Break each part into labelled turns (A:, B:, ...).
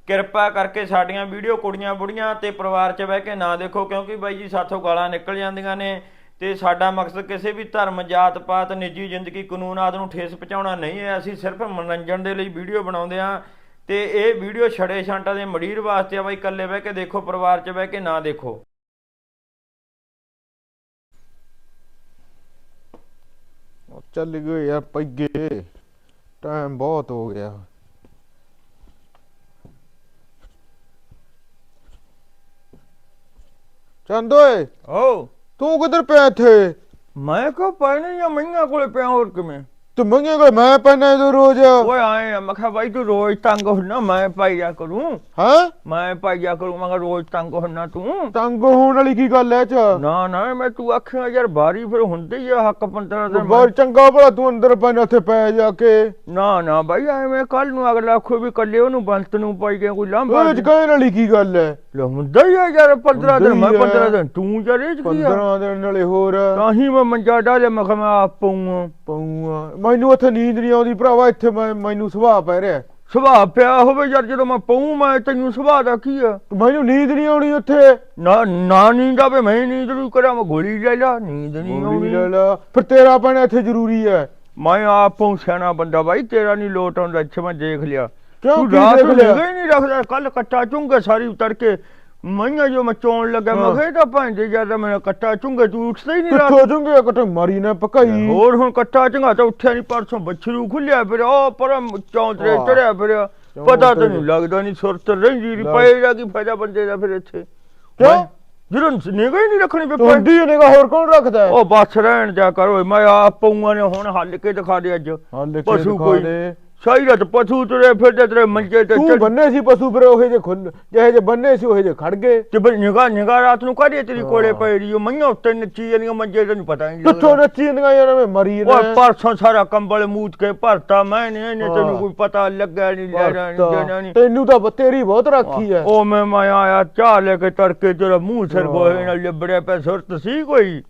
A: ਕਿਰਪਾ ਕਰਕੇ ਸਾਡੀਆਂ ਵੀਡੀਓ ਕੁੜੀਆਂ ਬੁੜੀਆਂ ਤੇ ਪਰਿਵਾਰ 'ਚ ਬਹਿ ਕੇ ਨਾ ਦੇਖੋ, ਕਿਉਂਕਿ ਬਾਈ ਜੀ ਸਾਥੋਂ ਗਾਲਾਂ ਨਿਕਲ ਜਾਂਦੀਆਂ ਨੇ। ਤੇ ਸਾਡਾ ਮਕਸਦ ਕਿਸੇ ਵੀ ਧਰਮ, ਜਾਤ ਪਾਤ, ਨਿੱਜੀ ਜ਼ਿੰਦਗੀ, ਕਾਨੂੰਨ ਆਦਿ ਨੂੰ ਠੇਸ ਪਹੁੰਚਾਉਣਾ ਨਹੀਂ ਹੈ। ਅਸੀਂ ਸਿਰਫ ਮਨੋਰੰਜਨ ਦੇ ਲਈ ਵੀਡੀਓ ਬਣਾਉਂਦੇ ਹਾਂ। ਤੇ ਇਹ ਵੀਡੀਓ ਛੜੇ ਛਾਂਟਾਂ ਦੇ ਮੰਡੀਰ ਵਾਸਤੇ ਆ ਬਾਈ, ਇਕੱਲੇ ਬਹਿ ਕੇ ਦੇਖੋ, ਪਰਿਵਾਰ 'ਚ ਬਹਿ ਕੇ ਨਾ ਦੇਖੋ।
B: ਚੱਲ ਗਏ ਯਾਰ ਪਈਏ, ਟਾਈਮ ਬਹੁਤ ਹੋ ਗਿਆ। ਚੰਦ ਓਏ,
A: ਓ
B: ਤੂੰ ਕਿੱਧਰ ਪਿਆ ਇੱਥੇ?
A: ਮੈਂ ਕਿਹਾ ਪੈਣੇ ਜਾਂ ਮਈਆਂ ਕੋਲੇ ਪਿਆ, ਹੋਰ ਕਿਵੇਂ?
B: ਤੂੰ ਮੰਗੇ ਕੋਲ ਮੈਂ ਪੈਣਾ ਤੂੰ ਰੋਜ਼?
A: ਓਏ ਆਏ ਆ, ਮੈਂ ਕਿਹਾ ਬਾਈ ਤੂੰ ਰੋਜ਼ ਤੰਗ ਹੁੰਨਾ, ਮੈਂ ਪਾਈਆ ਕਰੂੰ।
B: ਹਾਂ
A: ਮੈਂ ਪਾਈਆ ਕਰੂੰ, ਮੈਂ ਕਿਹਾ ਰੋਜ਼ ਤੰਗ ਹੁੰਨਾ ਤੂੰ।
B: ਤੰਗ ਹੋਣ ਵਾਲੀ ਕੀ ਗੱਲ ਐ ਚ?
A: ਨਾ ਨਾ, ਮੈਂ ਤੂੰ ਆਖਿਆ ਯਾਰ ਬਾਰੀ ਫਿਰ ਹੁੰਦੀ ਹੀ ਆ ਹੱਕ 15 ਦਿਨ।
B: ਬਹੁਤ ਚੰਗਾ ਭਲਾ ਤੂੰ ਅੰਦਰ ਪੈਣਾ, ਉੱਥੇ ਪੈ ਜਾ ਕੇ।
A: ਨਾ ਨਾ ਬਾਈ, ਐਵੇਂ ਕੱਲ ਨੂੰ ਅਗਲਾ ਆਖੋ ਵੀ ਕੱਲੇ ਉਹਨੂੰ ਬੰਤ ਨੂੰ ਪਾਈ ਗਿਆ, ਕੋਈ ਲਾਂਭਾ
B: ਇਹ ਚ ਕਹਿਣ ਵਾਲੀ ਕੀ ਗੱਲ ਐ?
A: ਲੈ ਹੁੰਦਾ ਹੀ ਆ ਯਾਰ, 15 ਦਿਨ ਮੈਂ 15 ਦਿਨ ਤੂੰ ਯਾਰ, ਇਹ ਚ ਕੀ ਆ?
B: 15 ਦਿਨ ਨਾਲੇ ਹੋਰ
A: ਤਾਂ ਹੀ ਮੈਂ ਮੰਜਾ ਡਾਲਿਆ, ਮੈਂ ਕਿਹਾ ਮੈਂ ਆਪ ਪਊਂ।
B: ਮੈਨੂੰ ਉੱਥੇ ਨੀਂਦ ਨਹੀਂ ਆਉਂਦੀ ਭਰਾਵਾ, ਇੱਥੇ ਮੈਨੂੰ ਸੁਭਾਅ ਪੈ ਰਿਹਾ।
A: ਸੁਭਾਅ ਪਿਆ ਹੋਵੇ ਯਾਰ, ਜਦੋਂ ਮੈਂ ਪਊਂ ਮੈਂ ਤੈਨੂੰ ਸੁਭਾਅ ਦਾ ਕੀ ਆ?
B: ਮੈਨੂੰ ਨੀਂਦ ਨਹੀਂ ਆਉਣੀ ਉੱਥੇ।
A: ਨਾ ਨੀਂਦ ਆਵੇ, ਮੈਂ ਨੀਂਦ ਨੂੰ ਕਰਾਂ, ਮੈਂ ਗੋਲੀ ਲੈ ਲਾ, ਨੀਂਦ ਨਹੀਂ ਆਉਣੀ।
B: ਫਿਰ ਤੇਰਾ ਪੈਣਾ ਇੱਥੇ ਜ਼ਰੂਰੀ ਹੈ।
A: ਮੈਂ ਆਪ ਪਊਂ, ਸਿਆਣਾ ਬੰਦਾ ਬਾਈ, ਤੇਰਾ ਨਹੀਂ ਲੋਟ ਆਉਂਦਾ। ਇੱਥੇ ਮੈਂ ਦੇਖ ਲਿਆ,
B: ਕਿਉਂ
A: ਤੂੰ
B: ਕੀ
A: ਰਾਤ ਨੂੰ
B: ਦੇਖ ਲਿਆ?
A: ਹੀ ਨਹੀਂ ਰੱਖਦਾ। ਕੱਲ ਕੱਟਾ ਚੁੰਗੇ ਸਾਰੀ ਤੜਕੇ ਮਈਆਂ ਜੋ ਮੈਂ ਚੋਣ ਲੱਗਾ, ਮੈਂ ਕਿਹਾ ਤਾਂ ਭਾਂਦੇ ਜਿਆਦਾ ਮੈਂ ਕੱਟਾ ਚੁੰਗੇ, ਤੂੰ ਉੱਠਦਾ ਹੀ ਨਹੀਂ ਰਾਤ।
B: ਕਿੱਥੋਂ ਚੁੰਗੇ ਕੱਟੇ ਮਾਰੀ ਨਾ ਪਕਾਈ।
A: ਹੋਰ ਹੁਣ ਕੱਟਾ ਚੰਗਾ ਤਾਂ ਉੱਠਿਆ ਨਹੀਂ, ਪਰਸੋਂ ਬੱਛਰੂ ਖੁੱਲਿਆ ਫਿਰ, ਉਹ ਪਰ ਚੌਂਤਰੇ ਚੜਿਆ ਫਿਰ, ਪਤਾ ਤੈਨੂੰ ਲੱਗਦਾ ਨਹੀਂ, ਸੁਰਤ ਰਹਿੰਦੀ ਪਏਗਾ ਕੀ ਫਾਇਦਾ ਬੰਦੇ ਦਾ ਫਿਰ ਇੱਥੇ।
B: ਕਿਉਂ?
A: ਜਦੋਂ ਨਿਗਾਹ ਹੀ ਨਹੀਂ ਰੱਖਣੀ
B: ਤੁਹਾਡੀ ਨਿਗਾਹ ਹੋਰ ਕੌਣ ਰੱਖਦਾ?
A: ਉਹ ਬਸ ਰਹਿਣ ਜਾ ਕਰੋ, ਮੈਂ ਆਪ ਪਊਆਂ ਨੇ ਹੁਣ ਹੱਲ ਕੇ ਦਿਖਾ ਦੇ ਅੱਜ। ਪਸ਼ੂ ਕੋਈ ਸਹੀ ਰਤ ਪਸ਼ੂ ਤੁਰੇ ਫਿਰਦੇ ਤੇਰੇ ਮੰਜੇ ਤੇ।
B: ਤੂੰ ਬੰਨੇ ਸੀ ਪਸ਼ੂ ਫਿਰ ਉਹੇ ਜੇ ਖੁੱਲ ਜਿਹੇ ਜੇ ਬੰਨੇ ਸੀ ਉਹੇ ਜੇ ਖੜ ਗਏ।
A: ਤੇ ਬਈ ਨਿਗਾਹ ਰਾਤ ਨੂੰ ਕਾਹਦੀ ਤੇਰੀ ਕੋਲੇ ਪਈ ਰਹੀ, ਮਈਆਂ ਉੱਤੇ ਨੱਚੀ ਜਾਂਦੀਆਂ ਮੰਜੇ ਤੇ, ਪਤਾ ਨਹੀਂ
B: ਕਿੱਥੋਂ ਨੱਚੀ ਜਾਂਦੀਆਂ ਯਾਰ, ਮੈਂ ਮਰੀ ਨਾ।
A: ਉਹ ਪਰਸੋਂ ਸਾਰਾ ਕੰਬਲ ਮੂਤ ਕੇ ਭਰਤਾ ਮੈਂ ਨੇ, ਇਹਨੇ ਤੈਨੂੰ ਕੋਈ ਪਤਾ ਲੱਗਾ ਨਹੀਂ, ਲੈਣਾ ਨਹੀਂ ਦੇਣਾ ਨਹੀਂ।
B: ਤੈਨੂੰ ਤਾਂ ਤੇਰੀ ਬਹੁਤ ਰਾਖੀ ਹੈ।
A: ਉਹ ਮੈਂ ਆਇਆ ਚਾਹ ਲੈ ਕੇ ਤੜਕੇ, ਤੇਰਾ ਮੂੰਹ ਸਿਰ ਗੋਹੇ ਨਾਲ ਲਿਬੜਿਆ ਪਿਆ, ਸੁਰਤ ਸੀ ਕੋਈ?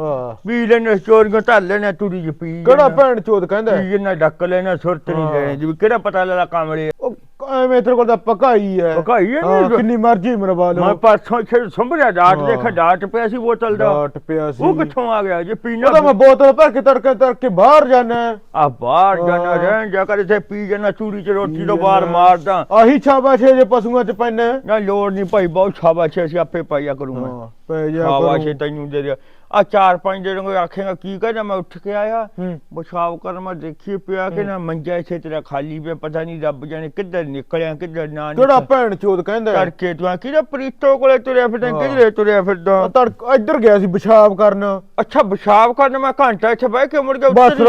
A: ਪੀ ਲੈਣੇ ਚੋਰੀਆਂ ਧਰ ਲੈਣਾ, ਤੁਰੀ ਚ ਪੀ।
B: ਕਿਹੜਾ ਭੈਣ ਚੋਦ ਕਹਿੰਦਾ
A: ਜਿੰਨਾ ਡੱਕ ਲੈਣਾ, ਸੁਰਤ ਨਹੀਂ ਲੈਣੀ ਜੀ, ਕਿਹੜਾ ਪਤਾ ਲੱਗਾ ਕਾਮਲੇ।
B: ਐਵੇਂ ਤੇਰੇ ਕੋਲ ਤਾਂ ਪਕਾਈ ਹੈ।
A: ਪਕਾਈ ਹੈ ਨੀ,
B: ਕਿੰਨੀ ਮਰਜ਼ੀ ਮਰਵਾ ਲਓ।
A: ਮੈਂ ਪਰਸੋਂ ਇੱਥੇ ਸੰਭਰਿਆ ਡਾਟ ਦੇਖਿਆ, ਡਾਟ ਪਿਆ ਸੀ ਬੋਤਲ ਦਾ।
B: ਡਾਟ ਪਿਆ ਸੀ,
A: ਉਹ ਕਿੱਥੋਂ ਆ ਗਿਆ ਜੇ ਪੀਣਾ?
B: ਤਾਂ ਮੈਂ ਬੋਤਲ ਭਰ ਕੇ ਤੜਕੇ ਬਾਹਰ ਜਾਣਾ।
A: ਆ ਬਾਹਰ ਜਾਣਾ ਰਹਿਣ ਜਾ ਕਰ, ਇੱਥੇ ਪੀ ਜਾਣਾ, ਚੂੜੀ ਚ ਰੋਟੀ ਤੋਂ ਬਾਹਰ ਮਾਰਦਾ।
B: ਆਹੀ ਛਾਬਾਸ਼ ਜੇ ਪਸ਼ੂਆਂ ਚ ਪੈਣਾ
A: ਨਾ, ਲੋੜ ਨਹੀਂ ਭਾਈ, ਬਹੁਤ ਛਾਬਾਸ਼, ਅਸੀਂ ਆਪੇ ਪਾਈਆ ਕਰੂੰਗਾ।
B: ਪੈ ਜਾ
A: ਛਾਬਾਸ਼ ਤੈਨੂੰ ਦੇ ਦਿਆ। ਆ 4-5 ਦਿਨ ਕੋਈ ਆਖੇਗਾ ਕੀ ਕਹਿੰਦਾ, ਮੈਂ ਉੱਠ ਕੇ ਆਇਆ ਪਿਸ਼ਾਬ ਕਰਨ, ਮੈਂ ਦੇਖੀ ਪਿਆ ਕਿ ਨਾ ਮੰਜਾ ਇੱਥੇ ਤੇਰਾ ਖਾਲੀ ਪਿਆ, ਪਤਾ ਨਹੀਂ ਰੱਬ ਜਾਣੇ ਕਿੱਧਰ ਨਿਕਲਿਆ ਕਿੱਧਰ ਨਾ।
B: ਕਿਹੜਾ ਭੈਣ ਚੋਦ ਕਹਿੰਦਾ?
A: ਤੜਕੇ ਤੂੰ ਕਿਹਦਾ ਪ੍ਰੀਤੋ ਕੋਲੇ ਤੁਰਿਆ ਫਿਰਦਾ, ਕਿਧਰੇ ਤੁਰਿਆ ਫਿਰਦਾ?
B: ਇੱਧਰ ਗਿਆ ਸੀ ਪਿਸ਼ਾਬ ਕਰਨ।
A: ਅੱਛਾ ਪਿਸ਼ਾਬ ਕਰਨ, ਮੈਂ ਘੰਟਾ ਇੱਥੇ ਬਹਿ ਕੇ ਮੁੜ ਕੇ
B: ਬਸ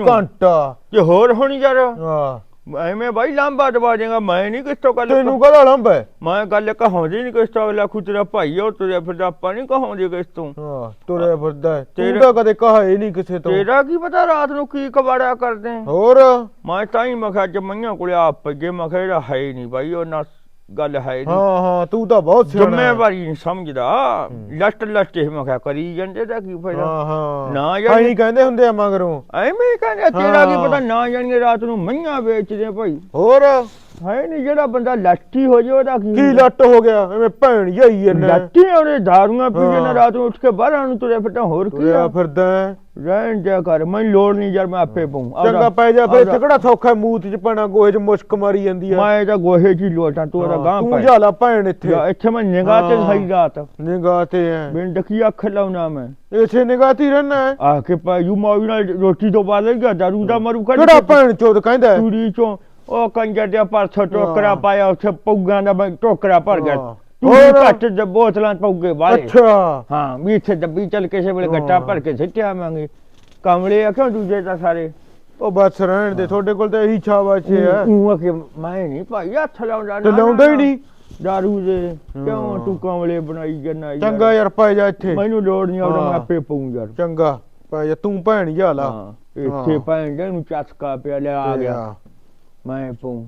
B: ਘੰਟਾ
A: ਤੇ ਹੋਰ ਹੋਣੀ ਯਾਰ।
B: ਹਾਂ
A: ਐਵੇਂ ਬਾਈ ਲਾਂਬਾ ਦਵਾ ਜਾਏਗਾ, ਮੈਂ ਨਹੀਂ ਕਿਸ ਤੋਂ ਗੱਲ।
B: ਤੈਨੂੰ ਕਹਦਾ ਲੰਬਾ?
A: ਮੈਂ ਗੱਲ ਕਹਾਉਂਦੀ ਨਹੀਂ ਕਿਸ ਤੋਂ, ਅਗਲਾ ਖੁਦ ਤੇਰਾ ਭਾਈ ਉਹ ਤੁਰਿਆ ਫਿਰਦਾ, ਆਪਾਂ ਨਹੀਂ ਕਹਾਉਂਦੇ ਕਿਸ ਤੋਂ।
B: ਹਾਂ ਤੁਰਿਆ ਫਿਰਦਾ, ਤੂੰ ਤਾਂ ਕਦੇ ਕਹਾ ਹੀ ਨਹੀਂ ਕਿਸੇ ਤੋਂ।
A: ਤੇਰਾ ਕੀ ਪਤਾ ਰਾਤ ਨੂੰ ਕੀ ਕਬਾੜਿਆ ਕਰਦੇ
B: ਹੋਰ। ਮੈਂ
A: ਤਾਂ ਹੀ ਮੈਂ ਕਿਹਾ ਅੱਜ ਮਈਆਂ ਕੋਲੇ ਆਪ ਪੱਗੇ, ਮੈਂ ਕਿਹਾ ਇਹਦਾ ਹੈ ਹੀ ਨਹੀਂ ਬਾਈ, ਉਹ ਨਾ ਗੱਲ ਹੈ ਨਹੀਂ।
B: ਹਾਂ ਤੂੰ ਤਾਂ ਬਹੁਤ ਸਿਆਣਾ,
A: ਜ਼ਿੰਮੇਵਾਰੀ ਨਹੀਂ ਸਮਝਦਾ। ਲੱਟ ਮੈਂ ਕਿਹਾ ਕਰੀ ਜਾਂਦੇ, ਦਾ ਕੀ ਫਾਇਦਾ? ਨਾ ਯਾਰ
B: ਨਹੀਂ ਕਹਿੰਦੇ ਹੁੰਦੇ ਆ ਮਗਰੋਂ,
A: ਐਵੇਂ ਕਹਿੰਦੇ, ਤੇਰਾ ਕੀ ਪਤਾ ਨਾ ਜਾਣਗੇ ਰਾਤ ਨੂੰ ਮਈਆਂ ਵੇਚਦੇ ਭਾਈ।
B: ਹੋਰ
A: ਹੈ ਨਹੀਂ, ਜਿਹੜਾ ਬੰਦਾ ਲੱਟੀ ਹੋ ਜਾਏ ਉਹਦਾ ਕੀ
B: ਲੱਟ ਹੋ ਗਿਆ? ਐਵੇਂ ਭੈਣ ਜਾਈ ਇਹਨੇ
A: ਲੱਟੀ ਉਹਨੇ ਦਾਰੂਆਂ ਪੀ ਕੇ ਰਾਤ ਨੂੰ ਉੱਠ ਕੇ ਬਾਹਰਾਂ ਨੂੰ ਤੁਰਿਆ ਫਿਰਦਾ, ਹੋਰ ਕੀ ਆ
B: ਫਿਰਦਾ?
A: ਰਹਿਣ ਜਾ ਕਰ, ਮੈਨੂੰ ਲੋੜ ਨਹੀਂ ਯਾਰ, ਮੈਂ ਆਪੇ ਪਊਂ।
B: ਚੰਗਾ ਪੈ ਜਾ ਫਿਰ, ਇੱਥੇ ਕਿਹੜਾ ਸੌਖਾ ਮੂਤ ਚ ਪੈਣਾ, ਗੋਹੇ ਚ ਮੁਸ਼ਕ ਮਾਰੀ ਜਾਂਦੀ ਆ।
A: ਮੈਂ ਤਾਂ ਗੋਹੇ ਚ ਹੀ ਲੋਟਾਂ, ਤੂੰ ਉਹਦਾ ਗਾਂ
B: ਤੂੰ ਜਾ ਲਾ ਭੈਣ ਇੱਥੇ।
A: ਇੱਥੇ ਮੈਂ ਨਿਗਾਹ ਤੇ ਸਹੀ ਰਾਤ
B: ਨਿਗਾਹ ਤੇ ਐ
A: ਬਿਨ ਡਕੀ ਅੱਖ ਲਾਉਣਾ, ਮੈਂ
B: ਇੱਥੇ ਨਿਗਾਹ ਤੇ ਰਹਿਣਾ
A: ਆ ਕੇ ਪਾਜੂ ਮਾਵੀ ਨਾਲ ਰੋਟੀ ਤੋਂ ਬਾਅਦ ਲੱਗਾ ਦਾਰੂ ਦਾ ਮਰੂ ਕਰ।
B: ਕਿਹੜਾ ਭੈਣ ਚੋਦ ਕਹਿੰਦਾ?
A: ਚੂੜੀ ਚੋਂ ਉਹ ਕੰਜਰ ਦੇ ਪਰਸੋਂ ਟੋਕਰਾ ਪਾਇਆ, ਉੱਥੇ ਪਊਗਾਂ ਦਾ ਟੋਕਰਾ ਭਰ ਗਿਆ। ਤੂੰ ਘੱਟ ਬੋਤਲਾਂ ਪਊਗੇ ਵਾਲੇ।
B: ਅੱਛਾ
A: ਹਾਂ ਵੀ ਇੱਥੇ ਡੱਬੀ ਚੱਲ ਕਿਸੇ ਵੇਲੇ ਗੱਟਾ ਭਰ ਕੇ ਸਿੱਟਿਆ ਆਵਾਂਗੇ। ਕਮਲੇ ਆ ਕਿਉਂ ਦੂਜੇ ਤਾਂ ਸਾਰੇ।
B: ਉਹ ਬਸ ਰਹਿਣ ਦੇ, ਤੁਹਾਡੇ ਕੋਲ ਤਾਂ ਇਹੀ ਛਾਵਾਸ਼ ਹੈ।
A: ਮੈਂ ਨਹੀਂ ਭਾਈ ਹੱਥ ਲਾਉਂਦਾ,
B: ਲਾਉਂਦਾ ਹੀ ਨਹੀਂ
A: ਦਾਰੂ ਦੇ। ਕਿਉਂ ਤੂੰ ਕਮਲੇ ਬਣਾਈ ਜਾਂਦਾ?
B: ਚੰਗਾ ਯਾਰ ਪੈ ਜਾ ਇੱਥੇ,
A: ਮੈਨੂੰ ਲੋੜ ਨਹੀਂ ਆਉਂਦਾ, ਮੈਂ ਆਪੇ ਪਊਂ ਯਾਰ।
B: ਚੰਗਾ ਪੈ ਜਾ, ਤੂੰ ਭੈਣ ਜਾ ਲਾ
A: ਇੱਥੇ ਭੈਣ ਦੇ ਨੂੰ ਚਸਕਾ ਪਿਆ, ਲਿਆ ਆ ਗਿਆ ਮੈਂ ਪਊਂ।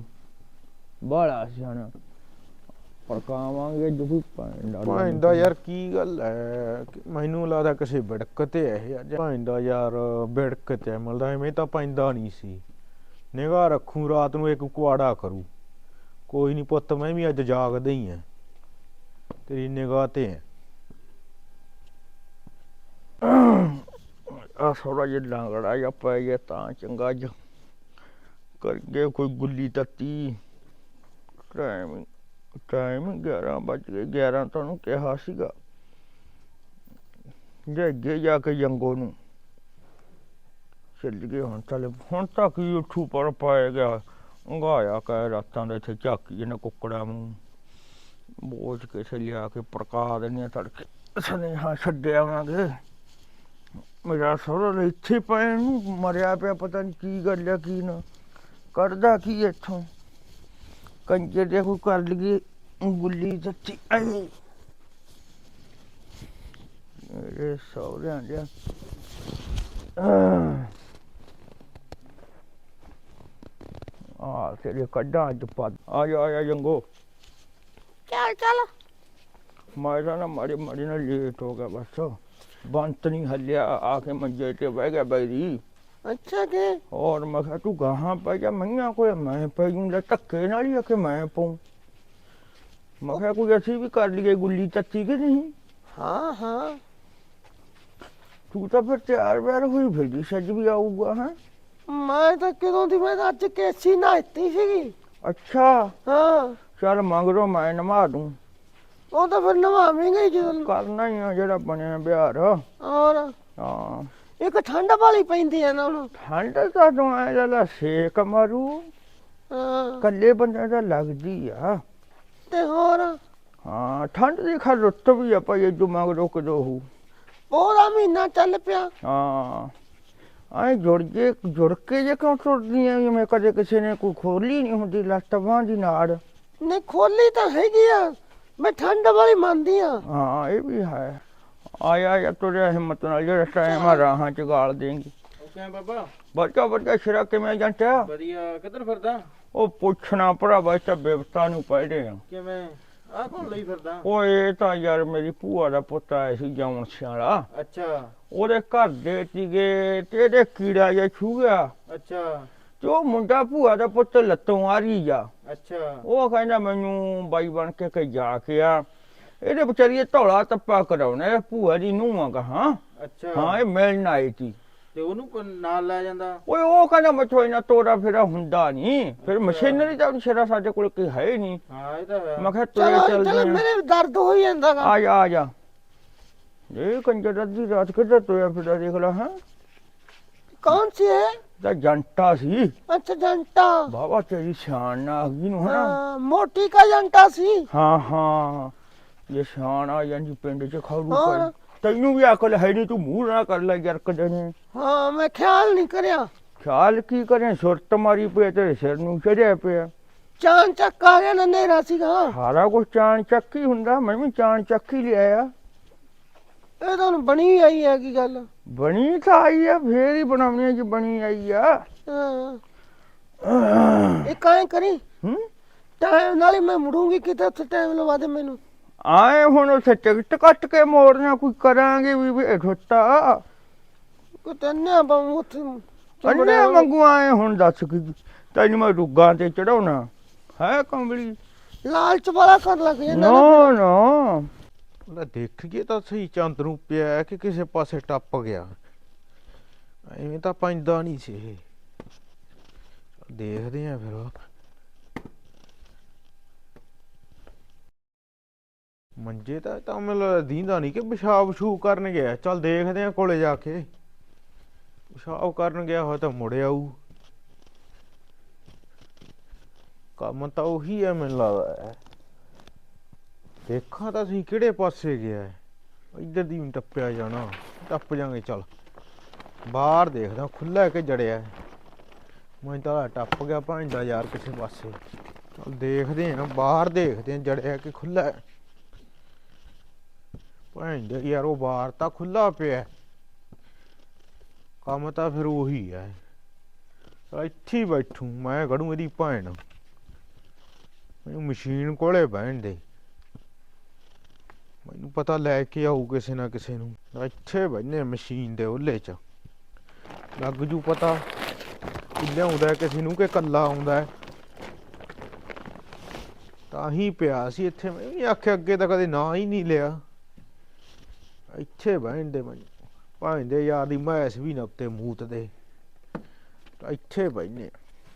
A: ਬੜਾ ਸਿਆਣਾ ਪੜਕਾਵਾਂਗੇ ਦੁੱਖ
B: ਪੈਂਦਾ ਯਾਰ। ਕੀ ਗੱਲ ਹੈ, ਮੈਨੂੰ ਲੱਗਦਾ ਕਿਸੇ ਵਿੜਕ ਤੇ ਇਹ ਅੱਜ ਪੈਂਦਾ ਯਾਰ, ਵਿੜਕ ਤੇ ਮਿਲਦਾ ਐਵੇਂ ਤਾਂ ਪੈਂਦਾ ਨਹੀਂ ਸੀ। ਨਿਗਾਹ ਰੱਖੂ ਰਾਤ ਨੂੰ, ਇੱਕ ਕੁਆੜਾ ਕਰੂ ਕੋਈ ਨਹੀਂ ਪੁੱਤ, ਮੈਂ ਵੀ ਅੱਜ ਜਾਗਦਾ ਹੀ ਆ, ਤੇਰੀ ਨਿਗਾਹ ਤੇ ਆ। ਆ ਥੋੜਾ ਜਿਹਾ ਲਾਂਗੜਾ ਜਿਹਾ ਪੈ ਗਿਆ ਤਾਂ ਚੰਗਾ ਜਿਹਾ ਕਰਕੇ ਕੋਈ ਗੁੱਲੀ ਤੱਤੀ। ਟਾਈਮ 11 ਵੱਜ ਗਏ, 11 ਤੁਹਾਨੂੰ ਕਿਹਾ ਸੀਗਾ। ਜੇ ਅੱਗੇ ਜਾ ਕੇ ਜੰਗੋ ਨੂੰ ਚੱਲ ਗਏ ਹੁਣ। ਚੱਲ ਹੁਣ ਤੱਕ ਹੀ ਉੱਠੂ ਪਰ ਪਾਇਆ ਗਿਆ ੰਗਾਇਆ ਕਹਿ ਰਾਤਾਂ ਦਾ ਇੱਥੇ ਝਾਕੀ ਇਹਨਾਂ ਕੁੱਕੜਾਂ ਨੂੰ ਬੋਝ ਕੇ ਲਿਆ ਕੇ ਪੜਕਾ ਦੇਣੀਆਂ ਤੜਕੇ ਸੁਨੇਹਾ ਛੱਡਿਆਵਾਂਗੇ। ਮੇਰਾ ਸਹੁਰਾ ਇੱਥੇ ਪੈਣ ਨੂੰ ਮਰਿਆ ਪਿਆ, ਪਤਾ ਨਹੀਂ ਕੀ ਗੱਲ ਆ ਕੀ ਨਾ ਕਰਦਾ ਕੀ ਇੱਥੋਂ ਕੰਜੇ ਦੇ ਕੋਈ ਕਰ ਲਈਏ ਗੁੱਲੀ ਸੱਚੀ ਮੇਰੇ ਸਹੁਰਿਆਂ ਦੇ। ਆ ਤੇਰੇ ਕੱਢਾਂ ਅੱਜ ਪਾ ਆ ਜਾ ਜੰਗੋ।
C: ਚੱਲ
B: ਮੈਂ ਨਾ ਮਾੜੀ ਨਾਲ ਲੇਟ ਹੋ ਗਿਆ ਬਸ। ਬੰਤ ਨਹੀਂ ਹੱਲਿਆ, ਆ ਕੇ ਮੰਜੇ ਤੇ ਬਹਿ ਗਿਆ ਬੈਰੀ।
C: ਅੱਛਾ ਕਿ
B: ਔਰ ਮੈਂ ਕਿਹਾ ਤੂੰ ਗਾਹਾਂ ਪੈ ਜਾ, ਮਈਆਂ ਕੋਲ ਮੈਂ ਪੈ ਜੂੰਗਾ ਧੱਕੇ ਨਾਲ ਹੀ ਆ ਕੇ ਮੈਂ ਪਾਉਂ। ਮੈਂ ਕਿਹਾ ਕੋਈ ਅਸੀਂ ਵੀ ਕਰ ਲਈਏ ਗੁੱਲੀ ਤੱਤੀ ਕਿ ਨਹੀਂ।
C: ਹਾਂ
B: ਤੂੰ ਤਾਂ ਫਿਰ ਤਿਆਰ ਬਿਆਰ ਹੋਈ ਫਿਰਦੀ, ਸੱਜ ਵੀ ਆਊਗਾ। ਹੈ
C: ਮੈਂ ਤਾਂ ਕਦੋਂ ਦੀ, ਮੈਂ ਤਾਂ ਅੱਜ ਕੇਸੀ ਨਹਾਤੀ ਸੀਗੀ।
B: ਅੱਛਾ
C: ਹਾਂ
B: ਚੱਲ ਮੰਗਰੋ ਮੈਂ ਨਵਾ ਦੂੰ।
C: ਉਹ ਤਾਂ ਫਿਰ ਨਵਾਵੇਂਗਾ ਹੀ ਜਦੋਂ
B: ਕਰਨਾ ਹੀ ਆ ਜਿਹੜਾ ਬਣਿਆ ਬਿਹਾਰ।
C: ਔਰ
B: ਹਾਂ
C: ਇੱਕ ਠੰਡ ਵਾਲੀ ਪੈਂਦੀ ਆ ਨਾ ਹੁਣ।
B: ਠੰਡ ਤਾਂ ਤੂੰ ਐ ਲੈ ਸੇਕ ਮਾਰੂ,
C: ਹਾਂ
B: ਕੱਲੇ ਬੰਦੇ ਦਾ ਲੱਗਦੀ ਆ।
C: ਤੇ ਹੋਰ
B: ਹਾਂ ਠੰਡ ਦੀ ਖਾ ਰੁੱਤ ਵੀ ਆ ਭਾਈ, ਜੋ ਮੰਗਰੋ ਕਦੋਂ ਹੋ।
C: ਪੂਰਾ ਮਹੀਨਾ ਚੱਲ ਪਿਆ।
B: ਹਾਂ ਐ ਜੁੜ ਕੇ ਜੇ ਕਿਉਂ ਟੁੱਟਦੀਆਂ ਜਿਵੇਂ ਕਦੇ ਕਿਸੇ ਨੇ ਕੋਈ ਖੋਲੀ ਨਹੀਂ ਹੁੰਦੀ ਲੱਤ ਬਾਂਹ ਦੀ ਨਾੜ।
C: ਨਹੀਂ ਖੋਲੀ ਤਾਂ ਹੈਗੀ ਆ, ਮੈਂ ਠੰਡ ਵਾਲੀ ਮੰਨਦੀ ਆ।
B: ਹਾਂ ਇਹ ਵੀ ਹੈ। ਆਇਆ ਤੁਰਿਆ ਹਿੰਮਤ ਨਾਲ, ਜਿਹੜਾ ਟਾਈਮ ਆ ਰਾਹਾਂ ਚ ਗਾਲ ਦੇਂਗੀ।
D: ਕਿਵੇਂ ਬਾਬਾ?
B: ਬੱਚਾ ਸ਼ਰਾ ਕਿਵੇਂ ਜੰਟਿਆ?
D: ਵਧੀਆ। ਕਿੱਧਰ ਫਿਰਦਾ?
B: ਉਹ ਪੁੱਛਣਾ ਭਰਾਵਾ, ਇਸ ਤਾਂ ਬਿਪਤਾ ਨੂੰ ਪੜ੍ਹਦੇ ਆ।
D: ਕਿਵੇਂ ਆਹ ਕੌਣ ਲਈ ਫਿਰਦਾ?
B: ਓਏ ਇਹ ਤਾਂ ਯਾਰ ਮੇਰੀ ਭੂਆ ਦਾ ਪੁੱਤ ਆਇਆ ਸੀ ਜਮਨ ਸਿਆਲਾ।
D: ਅੱਛਾ
B: ਉਹਦੇ ਘਰ ਦੇ ਸੀਗੇ ਤੇ ਇਹਦੇ ਕੀੜਾ ਜਿਹਾ ਛੂ ਗਿਆ
D: ਅੱਛਾ
B: ਤੇ ਉਹ ਮੁੰਡਾ ਭੂਆ ਦਾ ਪੁੱਤ ਲੱਤੋਂ ਆ ਰਹੀ ਆ।
D: ਅੱਛਾ
B: ਉਹ ਕਹਿੰਦਾ ਮੈਨੂੰ ਬਾਈ ਬਣ ਕੇ ਜਾ ਕੇ ਆ, ਇਹਦੇ ਵਿਚਾਰੀ ਧੌਲਾ ਤੱਪਾ ਕਰਾਉਣਾ। ਇਹ ਭੂਆ ਦੀ ਨੂੰਹ ਆ ਕਹਾਂ।
D: ਅੱਛਾ
B: ਹਾਂ ਇਹ ਮਿਲਣ ਆਈ ਸੀ।
D: ਤੇ ਉਹਨੂੰ ਨਾਲ ਲੈ ਜਾਂਦਾ?
B: ਓਏ ਉਹ ਕਹਿੰਦਾ ਮੈਥੋਂ ਇੰਨਾ ਤੋਰਾ ਫੇਰਾ ਹੁੰਦਾ ਨਹੀਂ, ਫਿਰ ਮਸ਼ੀਨਰੀ ਤਾਂ ਸ਼ਰਾ ਸਾਡੇ ਕੋਲ ਕੋਈ ਹੈ ਹੀ ਨਹੀਂ।
D: ਹਾਂ ਇਹ ਤਾਂ ਹੈ।
B: ਮੈਂ ਕਿਹਾ ਤੁਰੇ ਚੱਲਦੇ
C: ਮੇਰੇ ਦਰਦ ਹੋਈ ਜਾਂਦਾ ਗਾ।
B: ਆ ਜਾ ਇਹ ਕੰਜਰ ਅੱਧੀ ਰਾਤ ਕਿੱਧਰ ਤੁਰਿਆ ਫਿਰਦਾ ਦੇਖ ਲਾ। ਹਾਂ
C: ਕੌਣ ਸੀ ਹੈ?
B: ਤਾਂ ਜੰਟਾ ਸੀ।
C: ਅੱਛਾ ਜੰਟਾ।
B: ਬਾਬਾ ਤੇਰੀ ਸ਼ਾਨ ਨਾ ਆ ਗਈ ਨੂੰ ਹਨਾ।
C: ਮੋਟੀ ਕਾ ਜੰਟਾ ਸੀ।
B: ਹਾਂ ਇਹ ਸ਼ਾਨ ਆ ਜਾਂਦੀ ਪਿੰਡ ਚ ਖਾਰੂ
C: ਹੋਰ?
B: ਕਰ। ਤੈਨੂੰ ਵੀ ਅਕਲ ਹੈ ਨਹੀਂ, ਤੂੰ ਮੂੰਹ ਨਾ ਕਰ ਲੈ ਯਾਰ ਕਦੇ ਨੇ।
C: ਹਾਂ ਮੈਂ ਖਿਆਲ ਨਹੀਂ ਕਰਿਆ।
B: ਖਿਆਲ ਕੀ ਕਰੇ, ਸੁਰਤ ਮਾਰੀ ਪਈ ਤੇਰੇ ਸਿਰ ਨੂੰ ਚੜਿਆ ਪਿਆ।
C: ਚਾਨ ਚੱਕ ਆ ਗਿਆ ਨਾ, ਨੇਰਾ ਸੀਗਾ।
B: ਸਾਰਾ ਕੁਛ ਚਾਣ ਚੱਕ ਹੀ ਹੁੰਦਾ, ਮੈਂ ਵੀ ਚਾਣ ਚੱਕ ਹੀ ਲਿਆਇਆ।
C: ਇਹ ਤਾਂ ਹੁਣ ਬਣੀ ਆਈ ਹੈ ਕੀ ਗੱਲ?
B: ਬਣੀ ਤਾਂ ਆਈ ਆ, ਫੇਰ ਹੀ ਬਣਾਉਣੀ ਜੀ ਬਣੀ ਆਈ ਆ।
C: ਹਾਂ ਇਹ ਕਾਇ ਕਰੀ ਟਾਈਮ ਨਾਲ ਹੀ ਮੈਂ ਮੁੜੂੰਗੀ, ਕਿਤੇ ਉੱਥੇ ਟਾਈਮ ਲਵਾ ਦੇ ਮੈਨੂੰ।
B: ਆਏ ਹੁਣ ਉੱਥੇ ਟਿਕਟ ਕੱਟ ਕੇ ਮੋੜਨਾ ਕੋਈ ਕਰਾਂਗੇ ਵੀ ਠੋਟਾ
C: ਕੋਈ ਤੰਨਿਆ ਬਾਉ ਉੱਥੇ
B: ਅੰਨੇ ਮੰਗੂ। ਆਏ ਹੁਣ ਦੱਸ ਕੀ ਤੈਨੂੰ ਮੈਂ ਰੁੱਗਾਂ ਤੇ ਚੜਾਉਣਾ ਹੈ ਕੰਬਲੀ?
C: ਲਾਲਚ ਵਾਲਾ ਕਰ ਲੱਗ ਜਾਂਦਾ
B: ਨਾ ਦੇਖੀਏ ਤਾਂ ਸਹੀ ਚੰਦ ਨੂੰ ਪਿਆ ਕਿ ਕਿਸੇ ਪਾਸੇ ਟੱਪ ਗਿਆ। ਐਵੇਂ ਤਾਂ ਪੈਂਦਾ ਨਹੀਂ ਸੀ ਇਹ। ਦੇਖਦੇ ਆ ਫਿਰ। ਮੰਜੇ ਤਾਂ ਮੈਨੂੰ ਦੀਂਦਾ ਨਹੀਂ ਕਿ ਪਿਸ਼ਾਬ ਛੂ ਕਰਨ ਗਿਆ। ਚੱਲ ਦੇਖਦੇ ਆ ਕੋਲੇ ਜਾ ਕੇ। ਪਿਸ਼ਾਬ ਕਰਨ ਗਿਆ ਹੋਇਆ ਤਾਂ ਮੁੜ ਆਊ। ਕੰਮ ਤਾਂ ਉਹੀ ਹੈ ਮੈਨੂੰ ਲੱਗਦਾ। ਦੇਖਾਂ ਤਾਂ ਅਸੀਂ ਕਿਹੜੇ ਪਾਸੇ ਗਿਆ। ਇੱਧਰ ਦੀ ਵੀ ਟੱਪਿਆ ਜਾਣਾ, ਟੱਪ ਜਾਗੇ। ਚੱਲ ਬਾਹਰ ਦੇਖਦਾ ਖੁੱਲਾ ਕਿ ਜੜਿਆ। ਮੈਂ ਤਾਂ ਟੱਪ ਗਿਆ ਭਾਂਦਾ ਯਾਰ ਕਿਸੇ ਪਾਸੇ। ਚੱਲ ਦੇਖਦੇ ਆ ਬਾਹਰ, ਦੇਖਦੇ ਆ ਜੜਿਆ ਕਿ ਖੁੱਲਾ। ਭਾਂਦਾ ਯਾਰ ਉਹ ਬਾਹਰ ਤਾਂ ਖੁੱਲਾ ਪਿਆ। ਕੰਮ ਤਾਂ ਫਿਰ ਉਹੀ ਹੈ। ਇੱਥੇ ਹੀ ਬੈਠੂ ਮੈਂ, ਗੜੂ ਇਹਦੀ ਭੈਣ। ਮੈਨੂੰ ਮਸ਼ੀਨ ਕੋਲੇ ਬਹਿਣ ਦੇ, ਮੈਨੂੰ ਪਤਾ ਲੈ ਕੇ ਆਊ ਕਿਸੇ ਨਾ ਕਿਸੇ ਨੂੰ। ਇੱਥੇ ਬਹਿਨੇ ਮਸ਼ੀਨ ਦੇ ਉਹਲੇ ਚ, ਲੱਗ ਜੂ ਪਤਾ ਕਿ ਲਿਆਉਂਦਾ ਕਿਸੇ ਨੂੰ ਕਿ ਕੱਲਾ ਆਉਂਦਾ।
E: ਤਾਂ ਹੀ ਪਿਆ ਸੀ ਇੱਥੇ। ਮੈਂ ਵੀ ਆਖਿਆ ਅੱਗੇ ਤਾਂ ਕਦੇ ਨਾਂ ਹੀ ਨਹੀਂ ਲਿਆ। ਇੱਥੇ ਬਹਿੰਦੇ ਮੈਂ ਭਾਂਦੇ ਯਾਰ ਦੀ ਮੈਸ ਵੀ ਨਾ ਉੱਤੇ ਮੂਤ ਦੇ। ਇੱਥੇ ਬਹਿਨੇ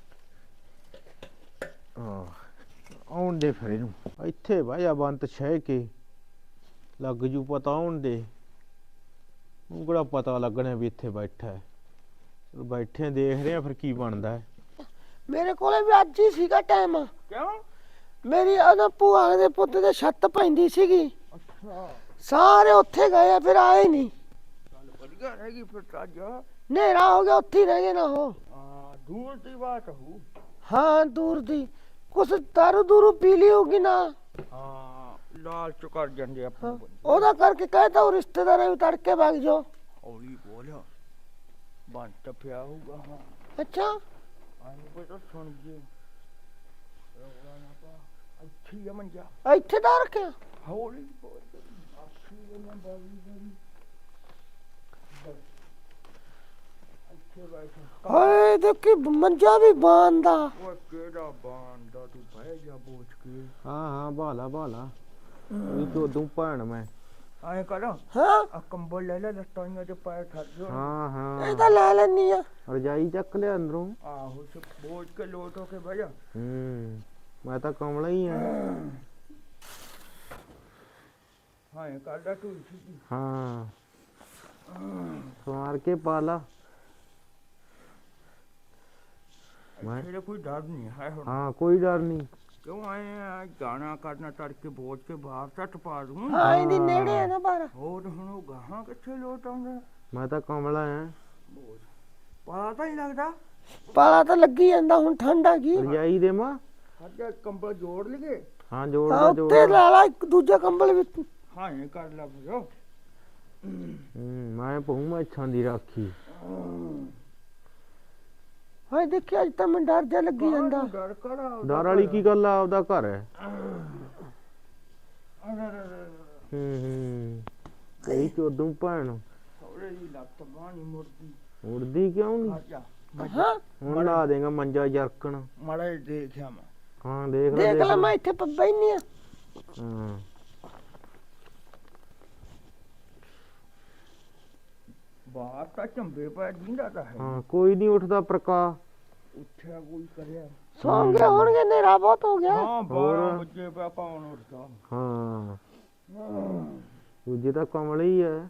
E: ਹਾਂ ਆਉਣ ਦੇ ਫਿਰ ਇਹਨੂੰ ਇੱਥੇ ਬਹਿ ਜਾ ਬੰਤ ਛੇ ਕੇ ਲੱਗ ਜੂ ਪਤਾ ਆਉਣ ਦੇ। ਉਹ ਕਿਹੜਾ ਪਤਾ ਲੱਗਣਾ ਵੀ ਇੱਥੇ ਬੈਠਾ ਹੈ। ਚਲੋ ਬੈਠੇ ਆ, ਦੇਖ ਰਹੇ ਆ ਫਿਰ ਕੀ ਬਣਦਾ ਹੈ।
C: ਮੇਰੇ ਕੋਲੇ ਵੀ ਅੱਜ ਹੀ ਸੀਗਾ ਟਾਈਮ।
B: ਕਿਉਂ?
C: ਮੇਰੀ ਉਹਨਾਂ ਭੂਆ ਦੇ ਪੁੱਤ ਦੇ ਛੱਤ ਪੈਂਦੀ ਸੀਗੀ।
B: ਅੱਛਾ
C: ਸਾਰੇ ਉੱਥੇ ਗਏ ਆ, ਫਿਰ ਆਏ ਨਹੀਂ।
B: ਚੱਲ ਵਧੀਆ ਰਹੇਗੀ ਫਿਰ ਤਾਂ ਅੱਜ।
C: ਹਨੇਰਾ ਹੋ ਗਿਆ, ਉੱਥੇ ਹੀ ਰਹਿ ਗਏ ਨਾ ਉਹ।
B: ਹਾਂ ਦੂਰ ਦੀ ਬਾਤ ਹੋ।
C: ਹਾਂ ਦੂਰ ਦੀ ਕੁਛ ਦਾਰੂ ਦੂਰੂ ਪੀ ਲਈ ਹੋਗੀ ਨਾ।
B: ਹਾਂ ਲਾਲਚ ਕਰ ਜਾਂਦੇ ਆਪਾਂ ਬੰਦੇ।
C: ਉਹਦਾ ਕਰਕੇ ਕਹਿਤਾ ਉਹ ਰਿਸ਼ਤੇਦਾਰਾਂ ਵੀ ਤੜਕੇ ਵਗ ਜਾਓ।
B: ਹੌਲੀ ਬੋਲ ਬੰਤ ਪਿਆ ਹੋਊਗਾ। ਹਾਂ
C: ਅੱਛਾ
B: ਆਨੂੰ ਕੋਈ ਤਾਂ ਸੁਣ ਜੇ ਰੌਲਾ ਨਾ ਪਾ। ਇੱਥੇ ਹੀ ਆ ਮੰਜਾ।
C: ਇੱਥੇ ਦਾ ਰੱਖਿਆ।
B: ਹੌਲੀ ਬੋਲ ਆਖੀ ਨਾ ਬਾਰੀ ਬਾਰੀ ਇੱਥੇ ਬੈਠ।
C: ਹਾਏ ਦੇਖੀ ਮੰਜਾ ਵੀ ਬਾਂਦਾ।
B: ਉਹ ਕਿਹੜਾ ਬਾਂਦਾ ਤੂੰ ਬਹਿ ਜਾ ਬੋਝ ਕੇ।
E: ਹਾਂ ਭਾਲਾ ਇਹ ਤੋਂ ਦੂੰ ਭੈਣ ਮੈਂ।
B: ਐਂ ਕਰ
C: ਹਾਂ
B: ਆ ਕੰਬਲ ਲੈ ਲੈ ਲੱਤਾਂ ਤੇ ਪੈਰ ਠੱਗ ਜੋ।
E: ਹਾਂ
C: ਇਹ ਤਾਂ ਲੈ ਲੈਣੀ ਆ।
E: ਰਜਾਈ ਚੱਕ ਲਿਆ ਅੰਦਰੋਂ।
B: ਆਹੋ ਸੇ ਬੋਝ ਕੇ ਲੋਟ ਹੋ ਕੇ ਬਹਿ ਜਾ।
E: ਮੈਂ ਤਾਂ ਕਮਲਾ ਹੀ ਆ।
B: ਹਾਂ ਕਾਡਾ ਤੂੰ ਸੀ।
E: ਹਾਂ ਸਵਾਰ ਕੇ ਪਾਲਾ। ਮੈਂ
B: ਤੇਰੇ ਕੋਈ ਡਰ ਨਹੀਂ ਹੈ ਹੁਣ।
E: ਹਾਂ ਕੋਈ ਡਰ ਨਹੀਂ।
B: ਕਿਉਂ ਆਏ ਗਾਣਾ ਕਰਨਾ ਤੜਕੇ ਬੋਝ ਕੇ ਬਾਹਰ ਟੱਟ ਪਾ ਦੂੰ।
C: ਹਾਂ ਇਹਦੀ ਨੇੜੇ ਆ ਨਾ ਬਾਹਰ।
B: ਹੋਰ ਹੁਣ ਉਹ ਗਾਹਾਂ ਕਿੱਥੇ ਲੋਟ ਆਉਂਦਾ।
E: ਮੈਂ ਤਾਂ ਕਮਲਾ ਆ।
B: ਪਤਾ ਤਾਂ ਨਹੀਂ ਲੱਗਦਾ।
C: ਪਾਲਾ ਤਾਂ ਲੱਗੀ ਜਾਂਦਾ, ਹੁਣ ਠੰਡ ਆ ਗਈ।
E: ਰਜਾਈ ਦੇ ਮਾਂ।
B: ਅੱਜ ਕੰਬਲ ਜੋੜ ਲਈਏ।
E: ਹਾਂ ਜੋੜ
C: ਹਾਂ
E: ਦੇ
C: ਉੱਤੇ ਲਾ ਲਾ ਇੱਕ ਦੂਜਾ ਕੰਬਲ ਵੀ।
B: ਹਾਂ ਇਹ ਕਰ ਲਾ ਬਜੋ।
E: ਮੈਂ ਪਹੂ ਮੈਂ ਇੱਛਾਂ ਦੀ ਰਾਖੀ।
C: ਹਾਏ ਦੇਖੀ ਅੱਜ ਤਾਂ ਮੈਨੂੰ ਡਰ ਜਾ ਲੱਗੀ ਜਾਂਦਾ।
B: ਡਰ ਕਰਾ
E: ਡਰ ਵਾਲੀ ਕੀ ਗੱਲ ਆ, ਆਪਦਾ ਘਰ ਹੈ। ਕਈ ਚੋਦੂ ਭੈਣ
B: ਸੌਰੇ ਦੀ ਲੱਤ ਬਾਣੀ ਮੁਰਦੀ
E: ਉੜਦੀ ਕਿਉਂ
B: ਆ
E: ਨਹੀਂ।
B: ਜਾ।
C: ਹਾਂ
E: ਹੁਣ ਲਾ ਦੇਗਾ ਮੰਜਾ ਜਰਕਣ।
B: ਮਾੜਾ ਜਿਹਾ ਦੇਖਿਆ ਮੈਂ।
E: ਹਾਂ ਦੇਖ
C: ਦੇਖ ਲੈ ਮੈਂ ਇੱਥੇ ਬੈਠੀ ਆ।
E: ਹਾਂ
B: ਬਾਹਰ ਤਾਂ ਝੰਬੇ ਪੈ ਜਿੰਦਾ ਤਾਂ ਹੈ।
E: ਹਾਂ ਕੋਈ ਨਹੀਂ ਉੱਠਦਾ ਪ੍ਰਕਾ।
B: ਉੱਠਿਆ ਕੋਈ ਕਰਿਆ।
C: ਸੌਂ ਗਏ ਹੋਣਗੇ, ਹਨੇਰਾ ਬਹੁਤ ਹੋ ਗਿਆ।
B: ਹਾਂ 12 ਵਜੇ ਪਿਆ ਕੌਣ ਉੱਠਦਾ।
E: ਹਾਂ ਦੂਜੇ ਤਾਂ ਕਮਲ ਹੀ ਹੈ।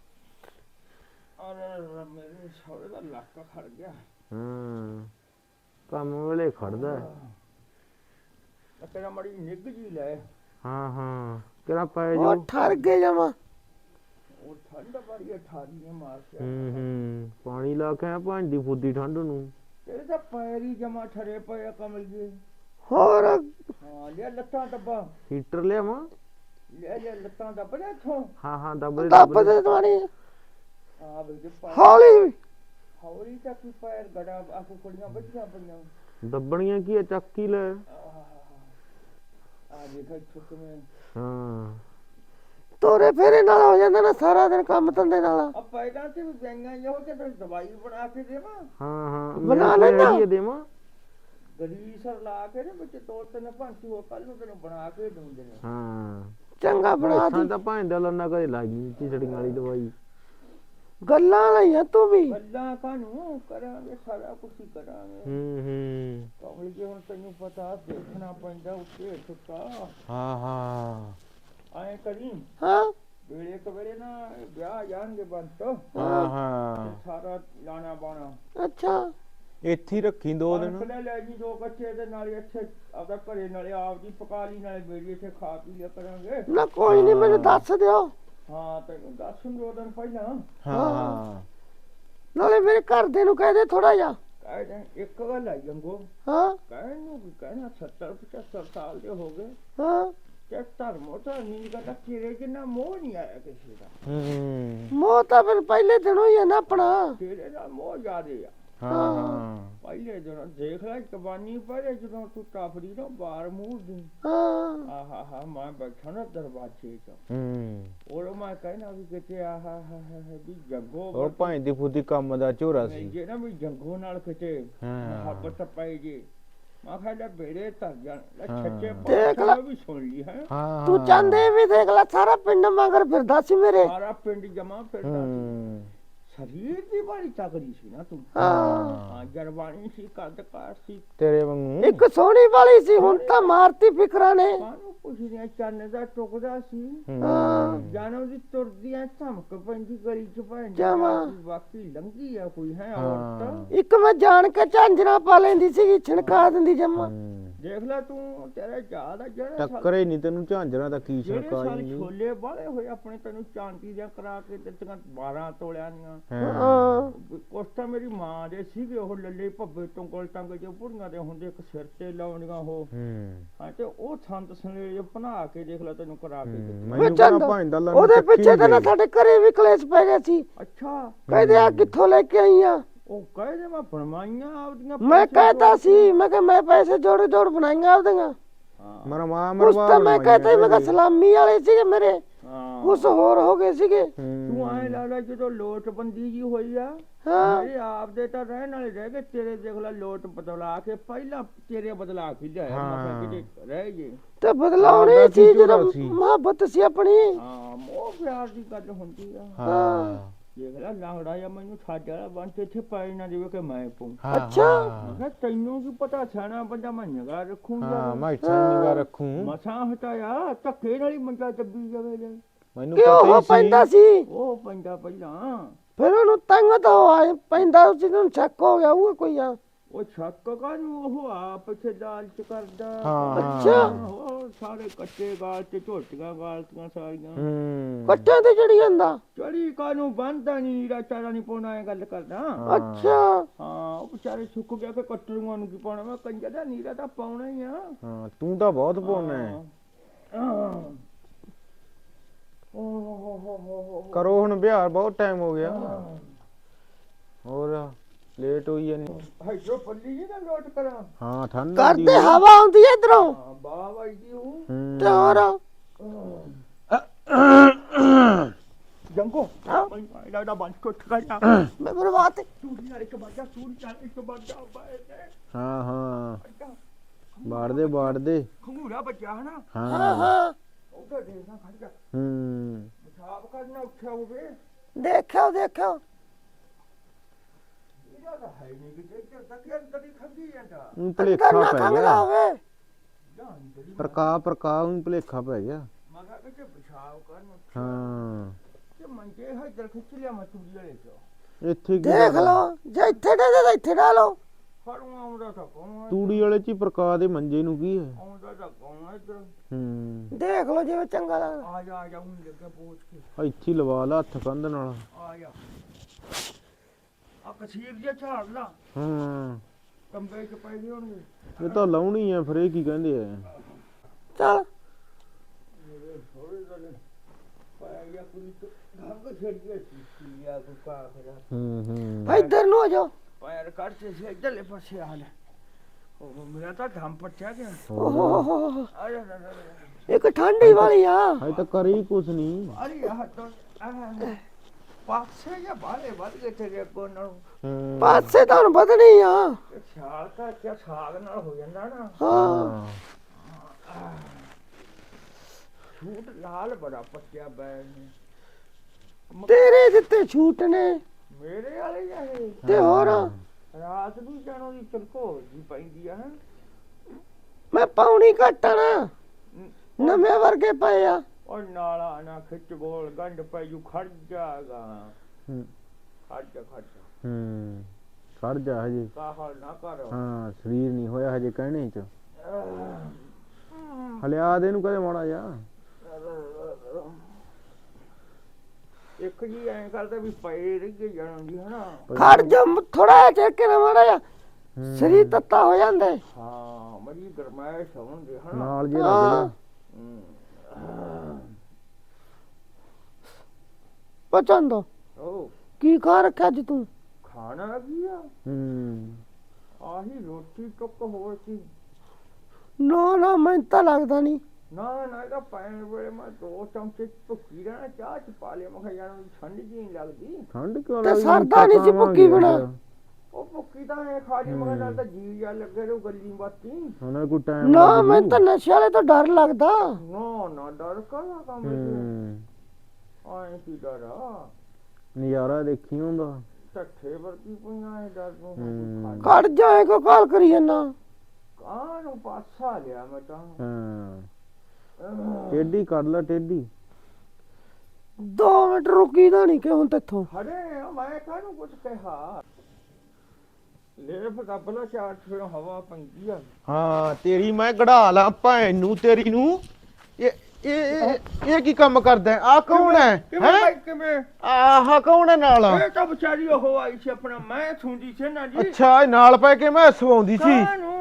B: ਅਰੇ ਮੇਰੇ ਸੌਰੇ ਦਾ ਲੱਕ ਖੜ ਗਿਆ।
E: ਹਾਂ ਕੰਮ ਵੇਲੇ ਖੜਦਾ।
B: ਤੇਰਾ ਮੜੀ ਨਿੱਘ ਜੀ ਲੈ।
E: ਹਾਂ ਕਿਹੜਾ ਪੈ
C: ਉਹ
E: ਜੋ।
C: ਠਰ ਗਏ ਜਮਾ।
B: ਉਹ ਠੰਡ ਬੜੀ ਠਾਰੀਆਂ ਮਾਰ ਕੇ।
E: ਪਾਣੀ ਲਾ ਕੇ ਆ ਭਾਂਡੀ ਫੁੱਦੀ ਠੰਡ ਨੂੰ।
B: ਤੇਰੇ ਤਾਂ ਪੈਰ ਹੀ ਜਮਾ ਠਰੇ ਪਏ ਆ ਕਮਲ ਜੀ।
C: ਹੋਰ
B: ਹਾਂ ਲਿਆ ਲੱਤਾਂ ਦੱਬਾ।
E: ਹੀਟਰ ਲਿਆਵਾਂ।
B: ਲਿਆ ਲੱਤਾਂ ਦੱਬ ਲੈ ਇੱਥੋਂ।
E: ਹਾਂ ਦੱਬ ਦੇ
C: ਦੱਬ ਦੇ ਤੁਹਾਡੀ
B: ਆ ਬਈ
C: ਹੌਲੀ।
B: ਹੌਲੀ ਤਾਂ ਕੀ ਪੈਰ ਗੜਾ ਆਖੋ ਕੁੜੀਆਂ ਬੱਚੀਆਂ ਪਈਆਂ।
E: ਦੱਬਣੀਆਂ ਕੀ ਹੈ, ਚੱਕ ਹੀ ਲੈ।
B: ਆ ਦੇਖ ਛੁੱਟਵੇਂ।
E: ਹਾਂ
C: ਤੋਰੇ ਫੇਰੇ ਨਾਲ ਹੋ ਜਾਂਦਾ ਨਾ ਸਾਰਾ ਦਿਨ ਕੰਮ ਧੰਦੇ ਨਾਲ।
B: ਆ ਪੈਰਾਂ ਤੇ ਵੀ ਗਈਆਂ ਇਹੋ ਤੇ ਦਵਾਈ ਬਣਾ ਕੇ ਦੇਵਾਂ।
E: ਹਾਂ
C: ਬਣਾ ਲੈਂਦਾ।
E: ਦੇਵਾਂ
B: ਗਰੀਸਰ ਲਾ ਕੇ ਨੇ ਵਿੱਚ 2-3 ਭਾਂਤੀ ਹੋਰ ਕੱਲ ਨੂੰ ਤੈਨੂੰ ਬਣਾ ਕੇ ਦਊਂਦੇ ਨੇ।
E: ਹਾਂ
C: ਚੰਗਾ ਬਣਾ ਦੀ।
E: ਤਾਂ ਭਾਂਡਾ ਲੰਨਾ ਕਦੇ ਲਾਈ ਚਿਚੜੀਆਂ ਵਾਲੀ ਦਵਾਈ।
C: ਗੱਲਾਂ ਲਈਆਂ ਤੂੰ ਵੀ।
B: ਗੱਲਾਂ ਕਾਹਨੂੰ ਕਰਾਂਗੇ, ਸਾਰਾ ਕੁਝ ਹੀ ਕਰਾਂਗੇ। ਕਮਲ ਜੀ ਹੁਣ ਤੈਨੂੰ ਪਤਾ ਦੇਖਣਾ ਪੈਂਦਾ ਉੱਤੇ ਸੁੱਤਾ।
E: ਹਾਂ
B: ਐਂ ਕਰੀ
C: ਹਾਂ
B: ਵੇਲੇ ਕਵੇਲੇ ਨਾ ਵਿਆਹ ਜਾਣਗੇ ਬੰਤ।
E: ਹਾਂ
B: ਸਾਰਾ ਲਾਣਾ ਬਾਣਾ
C: ਅੱਛਾ
E: ਇੱਥੇ ਹੀ ਰੱਖੀ 2 ਦਿਨ।
B: ਲੈ ਜੀ 2 ਕੱਚੇ ਦੇ ਨਾਲ ਇੱਥੇ ਆਪਦਾ ਘਰੇ ਨਾਲੇ ਆਪ ਦੀ ਪਕਾ ਲਈ ਨਾਲੇ ਬੇੜੀ ਇੱਥੇ ਖਾ ਪੀ ਲਿਆ ਕਰਾਂਗੇ।
C: ਨਾ ਕੋਈ ਨਹੀਂ ਮੈਨੂੰ ਦੱਸ ਦਿਓ।
B: ਹਾਂ ਤੈਨੂੰ ਦੱਸ 2 ਦਿਨ ਪਹਿਲਾਂ।
E: ਹਾਂ
C: ਨਾਲੇ ਮੇਰੇ ਘਰ ਦੇ ਨੂੰ ਕਹਿ ਦੇ ਥੋੜਾ ਜਿਹਾ।
B: ਕਹਿ ਦੇ ਇੱਕ ਗੱਲ ਆ ਜੰਗੋ।
C: ਹਾਂ
B: ਕਹਿਣ ਨੂੰ ਵੀ ਕਹਿਣਾ 70-75 ਸਾਲ ਦੇ ਹੋ ਗਏ
C: ਹਾਂ
B: ਤੇ ਧਰਮੋ ਤਾਂ ਨਹੀਂ ਕਰਦਾ ਤੇਰੇ ਜਿੰਨਾ ਮੋਹ ਨਹੀਂ ਆਇਆ ਕਿਸੇ ਦਾ।
C: ਮੋਹ ਤਾਂ ਫਿਰ ਪਹਿਲੇ ਦਿਨੋਂ ਹੀ ਹੈ ਨਾ ਆਪਣਾ।
B: ਤੇਰੇ ਦਾ ਮੋਹ ਜ਼ਿਆਦੇ ਆ।
E: ਹਾਂ
B: ਪਹਿਲੇ ਦਿਨ ਦੇਖ ਲੈ ਜਵਾਨੀ ਪਹਿਲੇ ਜਦੋਂ ਤੂੰ ਟਾਫੜੀ ਨਾ ਬਾਹਰ ਮੂੰਹ ਦੀ।
C: ਹਾਂ
B: ਆਹਾ ਮੈਂ ਬੈਠਾ ਨਾ ਦਰਵਾਜ਼ੇ 'ਚ। ਉਹ ਮੈਂ ਕਹਿਣਾ ਵੀ ਕਿਤੇ ਆਹਾ ਵੀ ਜੰਗੋ
E: ਉਹ ਭਾਂਦੀ ਫੁੱਦੀ ਕੰਮ ਦਾ ਝੋਰਾ ਸੀ।
B: ਜੇ ਨਾ ਵੀ ਜੰਗੋ ਨਾਲ ਕਿਤੇ ਮੁਹੱਬਤ ਪੈ ਜੇ ਮੈਂ ਕਿਹਾ ਲੈ ਬੇੜੇ ਧਰ ਜਾਣ ਲੈ
E: ਹਾਂ।
B: ਛੱਚੇ
C: ਦੇਖ ਲੈ।
B: ਪਾਤਸ਼ਾਹ ਵੀ ਸੁਣ ਲਈ ਹੈ
E: ਹਾਂ
C: ਤੂੰ ਚਾਹੁੰਦੇ ਵੀ ਦੇਖ ਲੈ ਸਾਰਾ ਪਿੰਡ ਮਗਰ ਫਿਰਦਾ ਸੀ ਮੇਰੇ।
B: ਸਾਰਾ ਪਿੰਡ ਜਮਾ ਫਿਰਦਾ ਸੀ
E: ਹੂੰ
B: ਸਰੀਰ ਦੀ ਬੜੀ ਤਕੜੀ ਸੀ ਨਾ ਤੂੰ
C: ਹਾਂ
B: ਹਾਂ ਜਰਵਾਣੀ ਸੀ ਕੱਦ-ਕਾਠ ਸੀ
E: ਤੇਰੇ ਵਾਂਗੂ
C: ਇੱਕ ਸੋਹਣੀ ਵਾਲੀ ਸੀ, ਹੁਣ ਤਾਂ ਮਾਰਤੀ ਫਿਕਰਾਂ ਨੇ।
B: ਕਾਹਨੂੰ ਪੁੱਛਦੀਆਂ ਚੰਨ ਦਾ ਟੁਕਦਾ ਸੀ
C: ਹਾਂ
B: ਜਾਨੋ ਦੀ ਤੁਰਦੀਆਂ ਧਮਕ ਪੈਂਦੀ ਗਲੀ ਚ ਭੈਣ ਜੀ,
C: ਜਮਾਂ।
B: ਬਾਕੀ ਲੰਗੀ ਆ ਕੋਈ ਹੈ
E: ਹਾਂ।
B: ਔਰਤ
C: ਇੱਕ ਮੈਂ ਜਾਣ ਕੇ ਝਾਂਜਰਾਂ ਪਾ ਲੈਂਦੀ ਸੀਗੀ, ਛਿਣਕਾ ਦਿੰਦੀ ਜੰਮਾ।
B: ਦੇਖ ਲੈ ਤੂੰ ਤੇਰਾ ਯਾਦ ਆ ਜਿਹੜੇ ਸਾਲ-
E: ਟੱਕਰੇ ਨਹੀਂ ਤੈਨੂੰ ਝਾਂਜਰਾਂ ਦਾ ਕੀ
B: ਜਿਹੜੇ
E: ਛੜਕਾ
B: ਸਾਲ
E: ਨਹੀਂ
B: ਛੋਲੇ ਵਾਲੇ ਹੋਏ ਆਪਣੇ ਤੈਨੂੰ ਚਾਂਦੀ ਦੀਆਂ ਕਰਾ ਕੇ ਦਿੱਤੀਆਂ 12 ਤੋਲਿਆਂ ਦੀਆਂ
C: ਹਾਂ
B: ਕੁਛ ਤਾਂ ਮੇਰੀ ਮਾਂ ਦੇ ਸੀਗੇ ਉਹ ਲੱਲੇ ਭੱਬੇ ਟੁੰਗਲ ਟੰਗ ਜੋ ਪੁੜੀਆਂ ਦੇ ਹੁੰਦੇ ਇੱਕ ਸਿਰ ਤੇ ਲਾਉਣੀਆਂ ਉਹ ਹਾਂ ਤੇ ਉਹ ਸੰਤ ਸਨੇ ਬਣਾ ਕੇ ਦੇਖ ਲੈ ਤੈਨੂੰ ਕਰਾ ਕੇ ਦਿੱਤੀਆਂ।
E: ਮੈਨੂੰ
C: ਚੰਦ,
E: ਕਹਿੰਦਾ ਭਾਂਦਾ ਲਾ
C: ਉਹਦੇ ਪਿੱਛੇ ਤਾਂ ਨਾ ਸਾਡੇ ਘਰੇ ਵੀ ਕਲੇਸ਼ ਪੈ ਗਿਆ ਸੀ।
B: ਅੱਛਾ
C: ਕਹਿੰਦੇ ਆ ਕਿੱਥੋਂ ਲੈ ਕੇ ਆਈ ਆ?
B: ਉਹ ਕਹਿੰਦੇ ਮੈਂ ਬਣਵਾਈਆਂ ਆਪਦੀਆਂ
C: ਮੈਂ
B: ਪੈਸੇ
C: ਕਹਿਤਾ
B: ਜੋੜ
C: ਸੀ, ਮੈਂ ਕਿਹਾ ਮੈਂ ਪੈਸੇ ਜੋੜ ਜੋੜ ਬਣਾਈਆਂ ਆਪਦੀਆਂ।
B: ਹਾਂ,
E: ਮੇਰਾ ਮਾਂ
C: ਉਸ
E: ਮਰਵਾ
C: ਤਾਂ ਮੈਂ ਕਹਿਤਾ ਮੈਂ ਕਿਹਾ ਸਲਾਮੀ ਵਾਲੇ ਸੀਗੇ ਮੇਰੇ,
B: ਹਾਂ।
C: ਕੁਛ ਹੋਰ ਹੋ ਗਏ ਸੀਗੇ।
B: ਤੂੰ ਐ ਲਾ ਜਦੋਂ ਲੋਟਬੰਦੀ ਜੀ ਹੋਈ ਆ
C: ਹਾਂ
B: ਮੇਰੇ ਆਪ ਦੇ ਤਾਂ ਰਹਿਣ ਵਾਲੇ ਰਹਿ ਗਏ, ਤੇਰੇ ਦੇਖ ਲੈ ਲੋਟ ਬਦਲਾ ਕੇ ਪਹਿਲਾਂ ਤੇਰੇ ਬਦਲਾ ਕੇ ਲਿਆਇਆ ਮੈਂ ਕਿਹਾ ਕਿਤੇ ਰਹਿ ਜੇ।
C: ਤੇ ਬਦਲਾਉਣੀ
E: ਆਪਦਾ
C: ਸੀ
E: ਕੀ
C: ਜਦੋਂ
E: ਝੋਲਾ ਸੀ?
C: ਮੁਹੱਬਤ ਸੀ ਆਪਣੀ।
B: ਹਾਂ ਮੋਹ ਪਿਆਰ ਦੀ ਗੱਲ ਹੁੰਦੀ ਆ।
E: ਹਾਂ
B: ਦੇਖ ਲੈ ਲਾਂਗੜਾ ਜਾਂ ਮੈਨੂੰ ਛੱਡ ਵਾਲਾ ਬਣ ਕੇ ਇੱਥੇ ਪਾਈ ਨਾ ਦੇਵੇ ਕਿ ਮੈਂ ਪਊ।
C: ਅੱਛਾ।
B: ਮੈਂ ਕਿਹਾ ਤੈਨੂੰ ਕੀ ਪਤਾ ਸਿਆਣਾ ਬੰਦਾ ਮੈਂ ਨਿਗਾਹ
E: ਹਾਂ
B: ਰੱਖੂੰਗਾ।
E: ਮੈਂ ਇੱਥੇ ਨਿਗਾਹ ਰੱਖੂੰ
B: ਮਸਾਂ ਹਟਾਇਆ ਧੱਕੇ ਨਾਲ ਹੀ ਮੰਜਾ ਚੱਬੀ ਜਾਵੇ ਲੈ।
E: ਮੈਨੂੰ
C: ਕਿਉਂ
E: ਪਤਾ
C: ਉਹ
E: ਹੀ ਸੀ
C: ਪੈਂਦਾ ਸੀ?
B: ਉਹ ਪੈਂਦਾ ਪਹਿਲਾਂ
C: ਫਿਰ ਉਹਨੂੰ ਤੰਗ ਤਾਂ ਆਏ ਪੈਂਦਾ ਉਸ ਨੂੰ ਸ਼ੱਕ ਹੋ ਗਿਆ ਉਹ ਕੋਈ ਆ।
B: ਉਹ ਛੱਕ ਕਾਹਨੂੰ ਉਹ ਆਪ ਇੱਥੇ ਦਾਲ ਚ ਕਰਦਾ।
E: ਹਾਂ।
C: ਅੱਛਾ।
B: ਉਹ ਸਾਰੇ ਕੱਚੇ ਗਾਲ ਤੇ ਝੋਟੀਆਂ ਗਾਲਤੀਆਂ ਸਾਰੀਆਂ।
C: ਕੱਟਿਆਂ ਤੇ ਚੜੀ ਜਾਂਦਾ।
B: ਚੜੀ ਕਾਹਨੂੰ ਬੰਦਾ ਨਹੀਂ ਚਾਰਾ ਨਹੀਂ ਪਾਉਣਾ ਇਹ ਗੱਲ ਕਰਦਾ।
C: ਅੱਛਾ
B: ਹਾਂ ਉਹ ਵਿਚਾਰੇ ਸੁੱਕ ਗਿਆ ਕਿ ਕੱਟੜੂਆਂ ਨੂੰ ਕੀ ਪਾਉਣਾ, ਮੈਂ ਕੰਜਾ ਦਾ ਨੀਰਾ ਤਾਂ ਪਾਉਣਾ ਹੀ ਆ।
E: ਹਾਂ ਤੂੰ ਤਾਂ ਬਹੁਤ ਪਾਉਣਾ ਹੈ। ਕਰੋ ਹੁਣ ਵਿਹਾਰ, ਬਹੁਤ ਟਾਈਮ ਹੋ ਗਿਆ। ਹੋਰ ਲੇਟ ਹੋਈ ਜਾਨੀ।
B: ਹਾਈਡਰੋ ਪੱਲੀ ਜੀ ਨਾ ਲੋਟ ਕਰਾਂ।
E: ਹਾਂ ਠੰਡ
C: ਕਰਦੇ ਹਵਾ ਆਉਂਦੀ ਐ ਇਧਰੋਂ
B: ਹਾਂ ਬਾਹ ਵਜਦੀ ਹੂੰ
C: ਤੇ ਹੋਰ
B: ਜੰਗੋ ਇਹਦਾ ਦਾ ਬੰਦ ਕੋ ਠਗਾ ਜਾ।
C: ਮੈਂ ਬਰਬਾਦ
B: ਸੂਰੀ ਨਾਲ ਇੱਕ ਬਾਜਾ ਸੂਰੀ ਨਾਲ ਇੱਕ ਬਾਜਾ ਬਾਏ
E: ਹਾਂ ਹਾਂ ਬਾੜ ਦੇ
B: ਖੰਗੂਰਾ ਬੱਜਾ ਹਨਾ।
C: ਹਾਂ
E: ਹਾਂ
C: ਹਾਂ
B: ਉਹਦਾ ਦੇਖਣਾ ਖੜ ਜਾ ਪਿਸ਼ਾਬ ਕਰਨਾ ਉੱਠਿਆ ਹੋਵੇ।
C: ਦੇਖਿਓ ਦੇਖਿਓ
B: ਇਹਦਾ ਤਾਂ ਹੈ ਨਹੀਂ ਕਿ ਇੱਧਰ ਤੱਕ ਕਦੀ ਖੰਗੀ ਜਾਂਦਾ
E: ਉਹ ਭਲੇਖਾ
C: ਕਰਨਾ
E: ਪੈ
C: ਖੰਗਦਾ
E: ਗਿਆ।
C: ਹੋਵੇ।
B: ਜਾਨ ਜਿਹੜੀ
E: ਪ੍ਰਕਾ ਨੂੰ ਭਲੇਖਾ ਪੈ ਗਿਆ।
B: ਮੈਂ ਕਿਹਾ ਕਿ ਪਿਸ਼ਾਬ ਕਰਨਾ
E: ਹਾਂ
B: ਤੇ ਮੰਜੇ ਇੱਧਰ ਖਿੱਚ ਲਿਆ ਮੈਂ ਤੂੜੀ ਵਾਲੇ ਚੋਂ।
E: ਇੱਥੇ ਕੀ
C: ਦੇਖ
E: ਕਰਨਾ?
C: ਲਓ ਜੇ ਇੱਥੇ ਦੇ ਤਾਂ ਇੱਥੇ ਡਾਲੋ।
B: ਫੜੂਆ ਆਉਂਦਾ ਤਾਂ ਕੌਣ
E: ਤੂੜੀ ਵਾਲੇ ਚ ਹੀ ਪ੍ਰਕਾ ਦੇ ਮੰਜੇ ਨੂੰ ਕੀ ਹੈ?
B: ਆਉਂਦਾ ਤਾਂ ਕੌਣ ਇੱਧਰ।
C: ਦੇਖ ਲਓ ਜਿਵੇਂ ਚੰਗਾ ਲੱਗਦਾ।
B: ਆ ਜਾ ਹੁਣ ਲੱਗਾ ਪਹੁੰਚ ਕੇ
E: ਇੱਥੇ ਹੀ ਲਵਾ ਲਾ ਹੱਥ ਕੰਧ ਨਾਲ।
B: ਆ ਜਾ ਆ ਕਸੀਰ ਜਿਹਾ ਝਾੜ ਲਾ
E: ਹਾਂ
B: ਕੰਬੇ ਚ ਪੈ ਗਏ ਹੋਣਗੇ।
E: ਇਹ ਤਾਂ ਲਾਉਣੀ ਆ, ਫਿਰ ਇਹ ਕੀ ਕਹਿੰਦੇ ਆ?
C: ਚੱਲ
B: ਥੋੜੇ ਦਿਨ ਪੈ ਗਿਆ ਕੋਈ ਘੰਗ ਛੱਡ ਗਿਆ ਸੀ ਆ ਕੋ ਕਾ ਕਰਾ
C: ਇੱਧਰ ਨੂੰ ਹੋ ਜਾਓ।
B: ਪੈਰ ਕੱਢ ਕੇ ਸੀ ਇੱਧਰਲੇ ਪਾਸੇ ਆ ਲੈ। ਉਹ ਮੇਰਾ ਤਾਂ ਧੰਮ ਪੱਟਿਆ ਗਿਆ।
C: ਓਹ
B: ਆ ਜਾ ਜਾ
C: ਇੱਕ ਠੰਡੀ ਵਾਲੀ ਆ।
E: ਹਜੇ ਤਾਂ ਕਰੀ ਕੁਛ ਨਹੀਂ।
B: ਅਰੇ ਆ ਤਾਂ ਪਾਸੇ ਜਾਂ ਬਾਲੇ ਵੱਧ ਗਏ ਤੇਰੇ ਕੋਲ ਨੂੰ।
C: ਪਾਸੇ ਤਾਂ ਹੁਣ ਵਧਣੀ ਆ।
B: ਛਾਲ ਕਰਕੇ ਸਾਗ ਨਾਲ ਹੋ ਜਾਂਦਾ ਨਾ।
C: ਹਾਂ
B: ਛੂਟ ਲਾਲ ਬੜਾ ਪੱਟਿਆ ਬੈਨ ਨੇ।
C: ਤੇਰੇ ਦਿੱਤੇ ਛੂਟ ਨੇ
B: ਮੇਰੇ ਵਾਲੇ ਜਾਏ
C: ਤੇ ਹੋਰ
B: ਰਾਤ ਨੂੰ ਜਾਣੋ ਦੀ ਚਲਕੋ ਜੀ ਪੈਂਦੀ ਆ।
C: ਮੈਂ ਪਾਉਣੀ ਘਟਣਾ ਨਵੇਂ ਵਰਗੇ ਪਏ ਆ।
B: ਔਰ ਨਾਲਾ ਨਾ ਖਿੱਚ ਗੋਲ ਗੰਢ ਪੈ ਜੂ ਖੜ ਜਾਗਾ। ਖੜ ਜਾ
E: ਖੜ ਜਾ ਹਜੇ।
B: ਕਾਹਲ ਨਾ ਕਰ।
E: ਹਾਂ ਸਰੀਰ ਨਹੀਂ ਹੋਇਆ ਹਜੇ ਕਹਿਣੇ ਚ। ਹਲਿਆ ਦੇ ਨੂੰ ਕਦੇ ਮਾੜਾ ਜਾ।
B: ਇੱਕ ਜੀ ਐਂ ਕਰਦਾ ਵੀ ਪਏ ਰਹਿ ਜਾਣਾ ਜੀ ਹਨਾ।
C: ਖੜ ਜਾ ਥੋੜਾ ਜਿਹਾ ਚੱਕ ਕੇ ਮਾੜਾ ਜਾ ਸਰੀਰ ਤੱਤਾ ਹੋ ਜਾਂਦਾ।
B: ਹਾਂ ਮਰੀ ਗਰਮਾਇਸ਼ ਹੁੰਦੀ ਹਨਾ।
E: ਨਾਲ ਜੇ ਲੱਗ ਜਾ।
C: ਪਚੰਦ
B: ਉਹ
C: ਕੀ ਖਾ ਰੱਖਿਆ ਅੱਜ ਤੂੰ?
B: ਖਾਣਾ ਕੀ ਆ? ਆਹੀ ਰੋਟੀ ਟੁੱਕ ਹੋਰ ਕੀ।
C: ਨਾ ਨਾ ਮੈਨੂੰ ਤਾਂ ਲੱਗਦਾ ਨਹੀਂ।
B: ਨਾ ਨਾ ਇਹਦਾ ਪੈਣ ਵੇਲੇ ਮੈਂ 2 ਚਮਚੇ ਭੁੱਕੀ ਰਹਿਣਾ ਚਾਹ ਚ ਪਾ ਲਿਆ। ਮੈਂ ਕਿਹਾ ਜਾਣਾ ਠੰਡ ਜੀ ਨਹੀਂ ਲੱਗਦੀ।
E: ਠੰਡ ਕਿਉਂ
C: ਤੇ
E: ਲੱਗਦੀ?
C: ਸਰਦਾ ਨੀ ਸੀ ਭੁੱਕੀ ਬਿਨਾਂ।
B: ਉਹ ਭੁੱਕੀ ਤਾਂ ਐ ਖਾ ਜੀ ਮਗਰ ਨਾਲ ਤਾਂ ਜੀ ਜਾ ਲੱਗੇ ਰੂ ਗੱਲੀ ਬਾਤੀ।
E: ਹੁਣ ਕੋਈ ਟਾਈਮ
C: ਨਾ ਮੈਂ ਤਾਂ ਨਸ਼ੇ ਵਾਲੇ ਤੋਂ ਡਰ ਲੱਗਦਾ।
B: ਨਾ ਡਰ ਕਾਹਦਾ ਕੰਮ ਆਏ ਕੀ ਡਰ ਆ
E: ਨਜ਼ਾਰਾ ਦੇਖੀ ਹੁੰਦਾ।
B: ਢੱਠੇ ਵਰਗੀ ਪਈਆਂ ਐ ਡਰ ਨੂੰ
C: ਕੱਢ ਜਾਏ ਕੋ ਕਾਲ ਕਰੀ ਜਾਂਦਾ।
B: ਕਾਹ ਨੂੰ ਪਾਸਾ ਲਿਆ ਮੈਂ ਤਾਂ।
E: ਹਾਂ ਟੇਢੀ ਕੱਢ ਲੈ ਟੇਢੀ।
C: 2 ਮਿੰਟ ਰੁਕੀ ਦਾ ਨਹੀਂ ਕਿ ਹੁਣ ਤੇਥੋਂ।
B: ਹਰੇ ਮੈਂ ਕਾਹਨੂੰ ਕੁਝ ਕਿਹਾ ਲੈ ਫਿਰ ਕੱਬਲਾ ਚਾਰ ਫਿਰ ਹਵਾ ਪੰਗੀ ਆ।
E: ਹਾਂ ਤੇਰੀ ਮੈਂ ਕਢਾ ਲਾਂ ਭੈਣ ਨੂੰ ਤੇਰੀ ਨੂੰ। ਇਹ ਕੀ ਕੰਮ ਕਰਦਾ ਆ? ਕੌਣ ਹੈ?
B: ਕਿਵੇਂ
E: ਆਹ ਕੌਣ ਹੈ ਨਾਲ?
B: ਇਹ ਤਾਂ ਵਿਚਾਰੀ ਉਹ ਆਈ ਸੀ ਆਪਣਾ ਮੈਂ ਸੁਣਦੀ ਸੀ ਨਾ ਜੀ।
E: ਅੱਛਾ ਇਹ ਨਾਲ ਪੈ ਕੇ ਮੈਂ ਸਵਾਉਂਦੀ ਸੀ।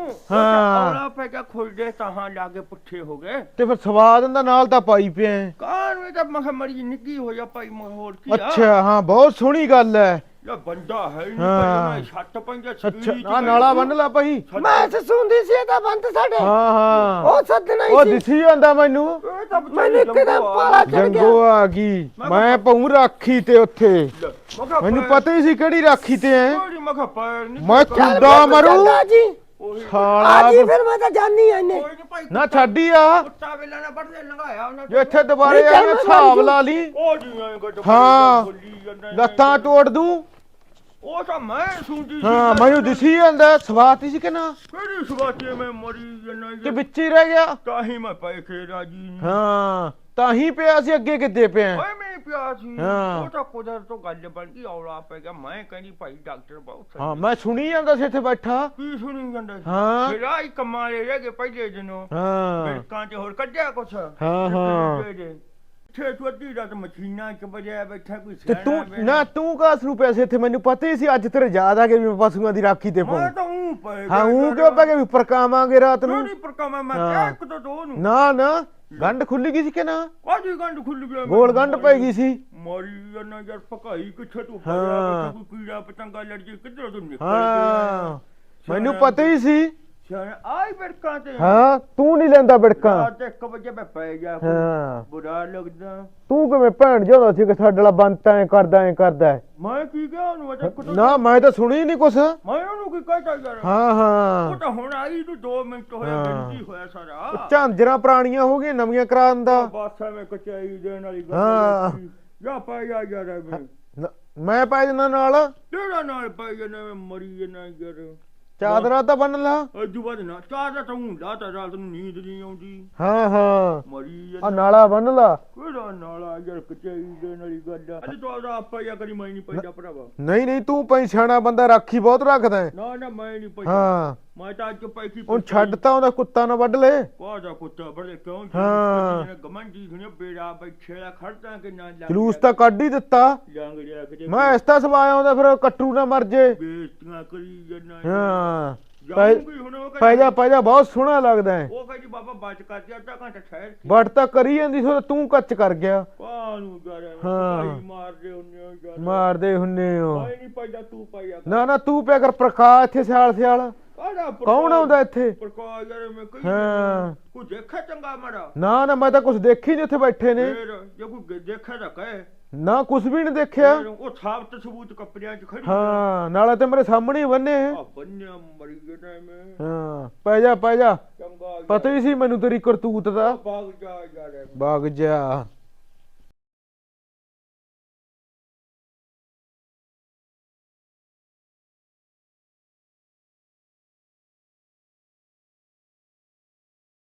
B: ਹਾਂ ਔਲਾ ਪੈ ਕੇ ਖੁੱਲਦੇ ਤਾਂ ਲਾਗੇ ਪੁੱਠੇ ਹੋ ਗਏ
E: ਤੇ ਫਿਰ ਸਵਾਦ ਦਾ ਨਾਲ ਤਾਂ ਪਾਈ ਪਿਆ।
B: ਕਾਹਨੂੰ ਇਹ ਤਾਂ ਮਖਾ ਮਰੀ ਨਿੱਕੀ ਹੋ ਜਾ ਭਾਈ ਹੋਰ ਕੀ ਆ।
E: ਅੱਛਾ ਹਾਂ ਬਹੁਤ ਸੋਹਣੀ ਗੱਲ ਹੈ।
B: ਇਹ ਬੰਦਾ ਹੈ ਨਹੀਂ
E: ਹਾਂ।
B: ਭਾਈ ਛੱਟ ਪੰਜਾ
E: ਅੱਛਾ ਆ ਨਾਲਾ ਬੰਨ ਲਾ ਭਾਈ।
C: ਮੈਂ ਸੁਣਦੀ ਸੀ ਇਹ ਤਾਂ ਬੰਦ ਸਾਡੇ।
E: ਹਾਂ ਹਾਂ
C: ਉਹ ਸੱਦਣਾ
E: ਉਹ
C: ਹੀ ਸੀ।
E: ਦਿਸੀ ਜਾਂਦਾ ਮੈਨੂੰ।
B: ਇਹ ਤਾਂ
C: ਮੈਨੂੰ ਇੱਕਦਮ ਪਾਲਾ ਚੜ ਗਿਆ।
E: ਜੰਗੋ ਆ ਗਈ ਮੈਂ ਪਉ ਰਾਖੀ ਤੇ ਉੱਥੇ। ਮੈਨੂੰ ਪਤਾ ਹੀ ਸੀ ਕਿਹੜੀ ਰਾਖੀ ਤੇ ਐ।
B: ਮਖਾ ਪੈਰ ਨਹੀਂ
E: ਮੈਂ ਖੁੱਦਾ ਮਰੂ
C: ਜੀ
E: ਸਾਲਾ।
C: ਆ ਜੀ ਫਿਰ ਮੈਂ ਤਾਂ ਜਾਣੀ ਆ ਇਹਨੇ।
B: ਕੋਈ ਨਹੀਂ ਭਾਈ
E: ਨਾ ਛੱਡੀ ਆ
B: ਕੁੱਤਾ ਵੇਲਾ ਨਾ ਵੱਢਦੇ ਲੰਘਾਇਆ ਉਹਨਾਂ
E: ਜੇ ਇੱਥੇ ਦੁਬਾਰੇ ਆ ਕੇ ਹਿਸਾਬ ਲਾ ਲਈ।
B: ਉਹ ਜੀਆਂ ਕੋ
E: ਹਾਂ ਲੱਤਾਂ ਤੋੜ ਦੂੰ।
B: ਉਹ ਤਾਂ ਮੈਂ ਸੁਣਦੀ ਸੀ।
E: ਹਾਂ ਮੈਨੂੰ ਦਿਸੀ ਜਾਂਦਾ ਸਵਾਤੀ ਸੀ ਕਿ ਨਾ
B: ਕਿਹੜੀ ਸਵਾਤੀ ਮੈਂ ਮਰੀ ਜਨਾ
E: ਕਿ ਵਿੱਚ ਹੀ ਰਹਿ ਗਿਆ।
B: ਤਾਂ ਹੀ ਮੈਂ ਪੈ ਕੇ ਰਾਜੀ ਨਹੀਂ।
E: ਹਾਂ ਤਾਂ ਹੀ ਪਿਆ ਸੀ ਅੱਗੇ ਕਿੱਦੇ ਪਿਆ।
B: ਓਏ ਮੈਂ ਪਿਆ ਸੀ।
E: ਹਾਂ।
B: ਉਹ ਤਾਂ ਕੁਦਰਤ ਤੋਂ ਗੱਲ ਬਣ ਗਈ ਔਲਾ ਪੈ ਗਿਆ। ਮੈਂ ਕਹਿੰਦੀ ਭਾਈ ਡਾਕਟਰ ਬਹੁਤ
E: ਹਾਂ ਮੈਂ ਸੁਣੀ ਜਾਂਦਾ ਸੀ ਇੱਥੇ ਬੈਠਾ।
B: ਕੀ ਸੁਣੀ ਜਾਂਦਾ ਸੀ?
E: ਹਾਂ।
B: ਫਿਰ ਆਈ ਕੰਮਾਂ ਦੇ ਰਹਿ ਗਏ ਪਹਿਲੇ ਦਿਨੋਂ।
E: ਹਾਂ
B: ਬਿਲਕਾਂ ਚ ਹੋਰ ਕੱਢਿਆ ਕੁਛ।
E: ਹਾਂ।
B: ਇੱਥੇ ਤੂੰ ਅੱਧੀ ਰਾਤ ਮਸ਼ੀਨਾਂ ਚ ਵਜਿਆ ਬੈਠਾ ਕੋਈ
E: ਤੇ ਤੂੰ ਨਾ ਤੂੰ ਕਾਸ ਨੂੰ ਪੈਸੇ ਇੱਥੇ ਮੈਨੂੰ ਪਤਾ ਹੀ ਸੀ ਅੱਜ ਤੇਰੇ ਯਾਦ ਆ ਕੇ ਵੀ ਮੈਂ ਪਸ਼ੂਆਂ ਦੀ ਰਾਖੀ ਤੇ
B: ਮੈਂ
E: ਪਾਉਂ।
B: ਤਾਂ ਉਹ ਪਏ
E: ਹਾਂ ਉਹ ਕਿਉਂ ਪੈ ਕੇ ਵੀ ਪਰਕਾਵਾਂਗੇ ਰਾਤ ਨੂੰ।
B: ਨਹੀਂ ਪਰਕਾਵਾਂ ਮੈਂ
E: ਹਾਂ।
B: ਕਿਹਾ ਇੱਕ ਤੋਂ ਦੋ ਨੂੰ।
E: ਨਾ ਗੰਢ ਖੁੱਲੀ ਗਈ ਸੀ ਕਿ ਨਾ
B: ਕਾਜੀ ਗੰਢ ਖੁੱਲ ਗਿਆ।
E: ਗੋਲ ਗੰਢ ਪੈ ਗਈ ਸੀ।
B: ਮਾਰੀ ਜਨਾ ਯਾਰ ਪਕਾਈ ਕਿੱਥੇ ਤੂੰ
E: ਹਾਂ।
B: ਹੋਇਆ ਕੋਈ ਕੀੜਾ ਪਤੰਗਾ ਲੜ ਜੇ ਕਿੱਧਰੋਂ ਤੂੰ ਨਿਕਲ
E: ਹਾਂ ਮੈਨੂੰ ਪਤਾ ਹੀ ਸੀ।
B: ਆਈ ਬਿੜਕਾਂ ਤੇ।
E: ਹਾਂ ਤੂੰ ਨਹੀਂ ਲੈਂਦਾ ਬਿੜਕਾਂ।
B: ਰਾਤ 1 ਵਜੇ ਮੈਂ ਪੈ ਗਿਆ।
E: ਹਾਂ
B: ਬੁਰਾ ਲੱਗਦਾ।
E: ਤੂੰ ਕਿਵੇਂ ਭੈਣ ਜਿਹਾ ਸੀ ਕਿ ਸਾਡੇ ਵਾਲਾ ਬੰਤ ਐ ਕਰਦਾ।
B: ਮੈਂ ਕੀ ਕਿਹਾ ਉਹਨੂੰ ਅਜੇ ਕੁਝ
E: ਨਾ ਮੈਂ ਤਾਂ ਸੁਣੀ ਨਹੀਂ ਕੁਛ।
B: ਮੈਂ ਉਹਨੂੰ ਕੀ ਕਹਿਤਾ ਯਾਰ।
E: ਹਾਂ
B: ਉਹ
E: ਹਾਂ
B: ਤਾਂ ਹੁਣ ਆਈ ਨੂੰ 2 ਮਿੰਟ ਹੋਇਆ
E: ਹਾਂ।
B: ਬਿੰਦੀ ਹੋਇਆ ਸਾਰਾ।
E: ਝਾਂਜਰਾਂ ਪੁਰਾਣੀਆਂ ਹੋ ਗਈਆਂ ਨਵੀਆਂ ਕਰਾਉਣ ਦਾ।
B: ਬਸ ਐਵੇਂ ਕਚਾਈ ਦੇਣ ਵਾਲੀ
E: ਹਾਂ।
B: ਗੱਲ। ਜਾ ਪੈ ਜਾ ਯਾਰ
E: ਮੈਂ ਪੈ ਜਨਾ ਨਾਲ
B: ਤੇਰਾ ਨਾਲ ਪੈ ਜਾਣਾ ਮੈਂ ਮਰੀ ਜਾਣਾ ਯਾਰ।
E: ਚਾਦਰਾ ਤਾਂ ਬੰਨ ਲਾ।
B: ਅਜੂ ਬਾਦ ਨਾ ਚਾਹਦਾ ਤਾਂ ਹੁੰਦਾ ਤਾਂ ਰਾਤ ਨੂੰ ਨੀਂਦ ਨਹੀਂ ਆਉਂਦੀ।
E: ਹਾਂ
B: ਮਰੀ
E: ਆ ਨਾਲਾ ਬੰਨ ਲਾ।
B: ਕਿਹੜਾ ਨਾਲਾ ਯਾਰ ਕਚਾਈ ਦੇਣ ਵਾਲੀ ਗੱਲ ਆ। ਅੱਜ ਤੋਂ ਆਪਾ ਯਾ ਕਰੀ ਮੈਂ ਨਹੀਂ ਪੈਂਦਾ ਭਰਾਵਾ।
E: ਨਹੀਂ ਤੂੰ ਪਈ ਸਿਆਣਾ ਬੰਦਾ ਰਾਖੀ ਬਹੁਤ ਰੱਖਦਾ ਹੈ।
B: ਨਾ ਮੈਂ ਨਹੀਂ ਪੈਂਦਾ।
E: ਹਾਂ
B: ਮੈਂ ਤਾਂ ਅੱਜ ਪੈਕੀ
E: ਹੁਣ ਛੱਡਤਾ ਉਹਦਾ ਕੁੱਤਾ ਨਾ ਵੱਢ ਲੈ।
B: ਕਾਹਦਾ ਕੁੱਤਾ ਬੜੇ ਕਿਉਂ
E: ਹਾਂ।
B: ਗਮੰਡੀ ਸੁਣੇ ਬੇੜਾ ਬੈਠੇ ਦਾ ਖੜਦਾ ਕਿ ਨਾ ਲੱਗ
E: ਜਲੂਸ ਤਾਂ ਕੱਢ ਹੀ ਦਿੱਤਾ।
B: ਜੰਗ ਜਾ ਕੇ
E: ਮੈਂ ਇਸ ਤਾਂ ਸਵਾਇਆ ਉਹਦਾ ਫਿਰ ਕੱਟੂ ਨਾ ਮਰ ਜੇ।
B: ਬੇਇੱਜ਼ਤੀਆਂ ਕਰੀ ਜਨਾ।
E: ਹਾਂ
B: ਜਾਊਂਗੀ ਹੁਣ ਉਹ
E: ਪੈ ਜਾ ਬਹੁਤ ਸੋਹਣਾ ਲੱਗਦਾ ਹੈ।
B: ਉਹ ਕਹਿੰਦੀ ਬਾਬਾ ਬਚ ਕਰ ਜਾ ਅੱਧਾ ਘੰਟਾ ਠਹਿਰ।
E: ਵੱਟ ਤਾਂ ਕਰੀ ਜਾਂਦੀ ਸੀ ਤੂੰ ਕੱਚ ਕਰ ਗਿਆ।
B: ਕਾਹਨੂੰ ਯਾਰ
E: ਹਾਂ।
B: ਭਾਈ ਮਾਰਦੇ ਹੁੰਨੇ ਹੋ ਯਾਰ।
E: ਮਾਰਦੇ ਹੁੰਨੇ ਹੋ।
B: ਮੈਂ ਨਹੀਂ ਪੈਂਦਾ ਤੂੰ ਪਾਇਆ
E: ਨਾ ਤੂੰ ਪਿਆ ਕਰ ਪ੍ਰਕਾਸ਼ ਇੱਥੇ ਸਿਆਲ
B: ਕਾਹਦਾ
E: ਕੌਣ ਆਉਂਦਾ ਇੱਥੇ?
B: ਪ੍ਰਕਾਸ਼ ਯਾਰ ਮੈਂ ਕਹੀ
E: ਹਾਂ
B: ਕੋਈ ਦੇਖਿਆ ਚੰਗਾ ਮਾੜਾ।
E: ਨਾ ਮੈਂ ਤਾਂ ਕੁਝ ਦੇਖੀ ਨਹੀਂ ਉੱਥੇ ਬੈਠੇ ਨੇ।
B: ਫੇਰ ਜੇ ਕੋਈ ਦੇਖਿਆ ਤਾਂ ਕਹੇ।
E: ਨਾ ਕੁਝ ਵੀ ਨਹੀਂ ਦੇਖਿਆ।
B: ਫੇਰ ਉਹ ਸਾਬਤ ਸਬੂਤ ਕੱਪੜਿਆਂ 'ਚ ਖੜੀ
E: ਹਾਂ ਨਾਲੇ ਤੇ ਮੇਰੇ ਸਾਹਮਣੇ ਹੀ ਬੰਨੇ।
B: ਆ ਬੰਨਿਆ ਮਰੀ ਗਿਆ ਮੈਂ।
E: ਹਾਂ ਪੈ ਜਾ
B: ਚੰਗਾ
E: ਪਤਾ ਹੀ ਸੀ ਮੈਨੂੰ ਤੇਰੀ ਕਰਤੂਤ ਦਾ।
B: ਭਾਗ ਜਾ ਯਾਰ।
E: ਵਗ ਜਾ।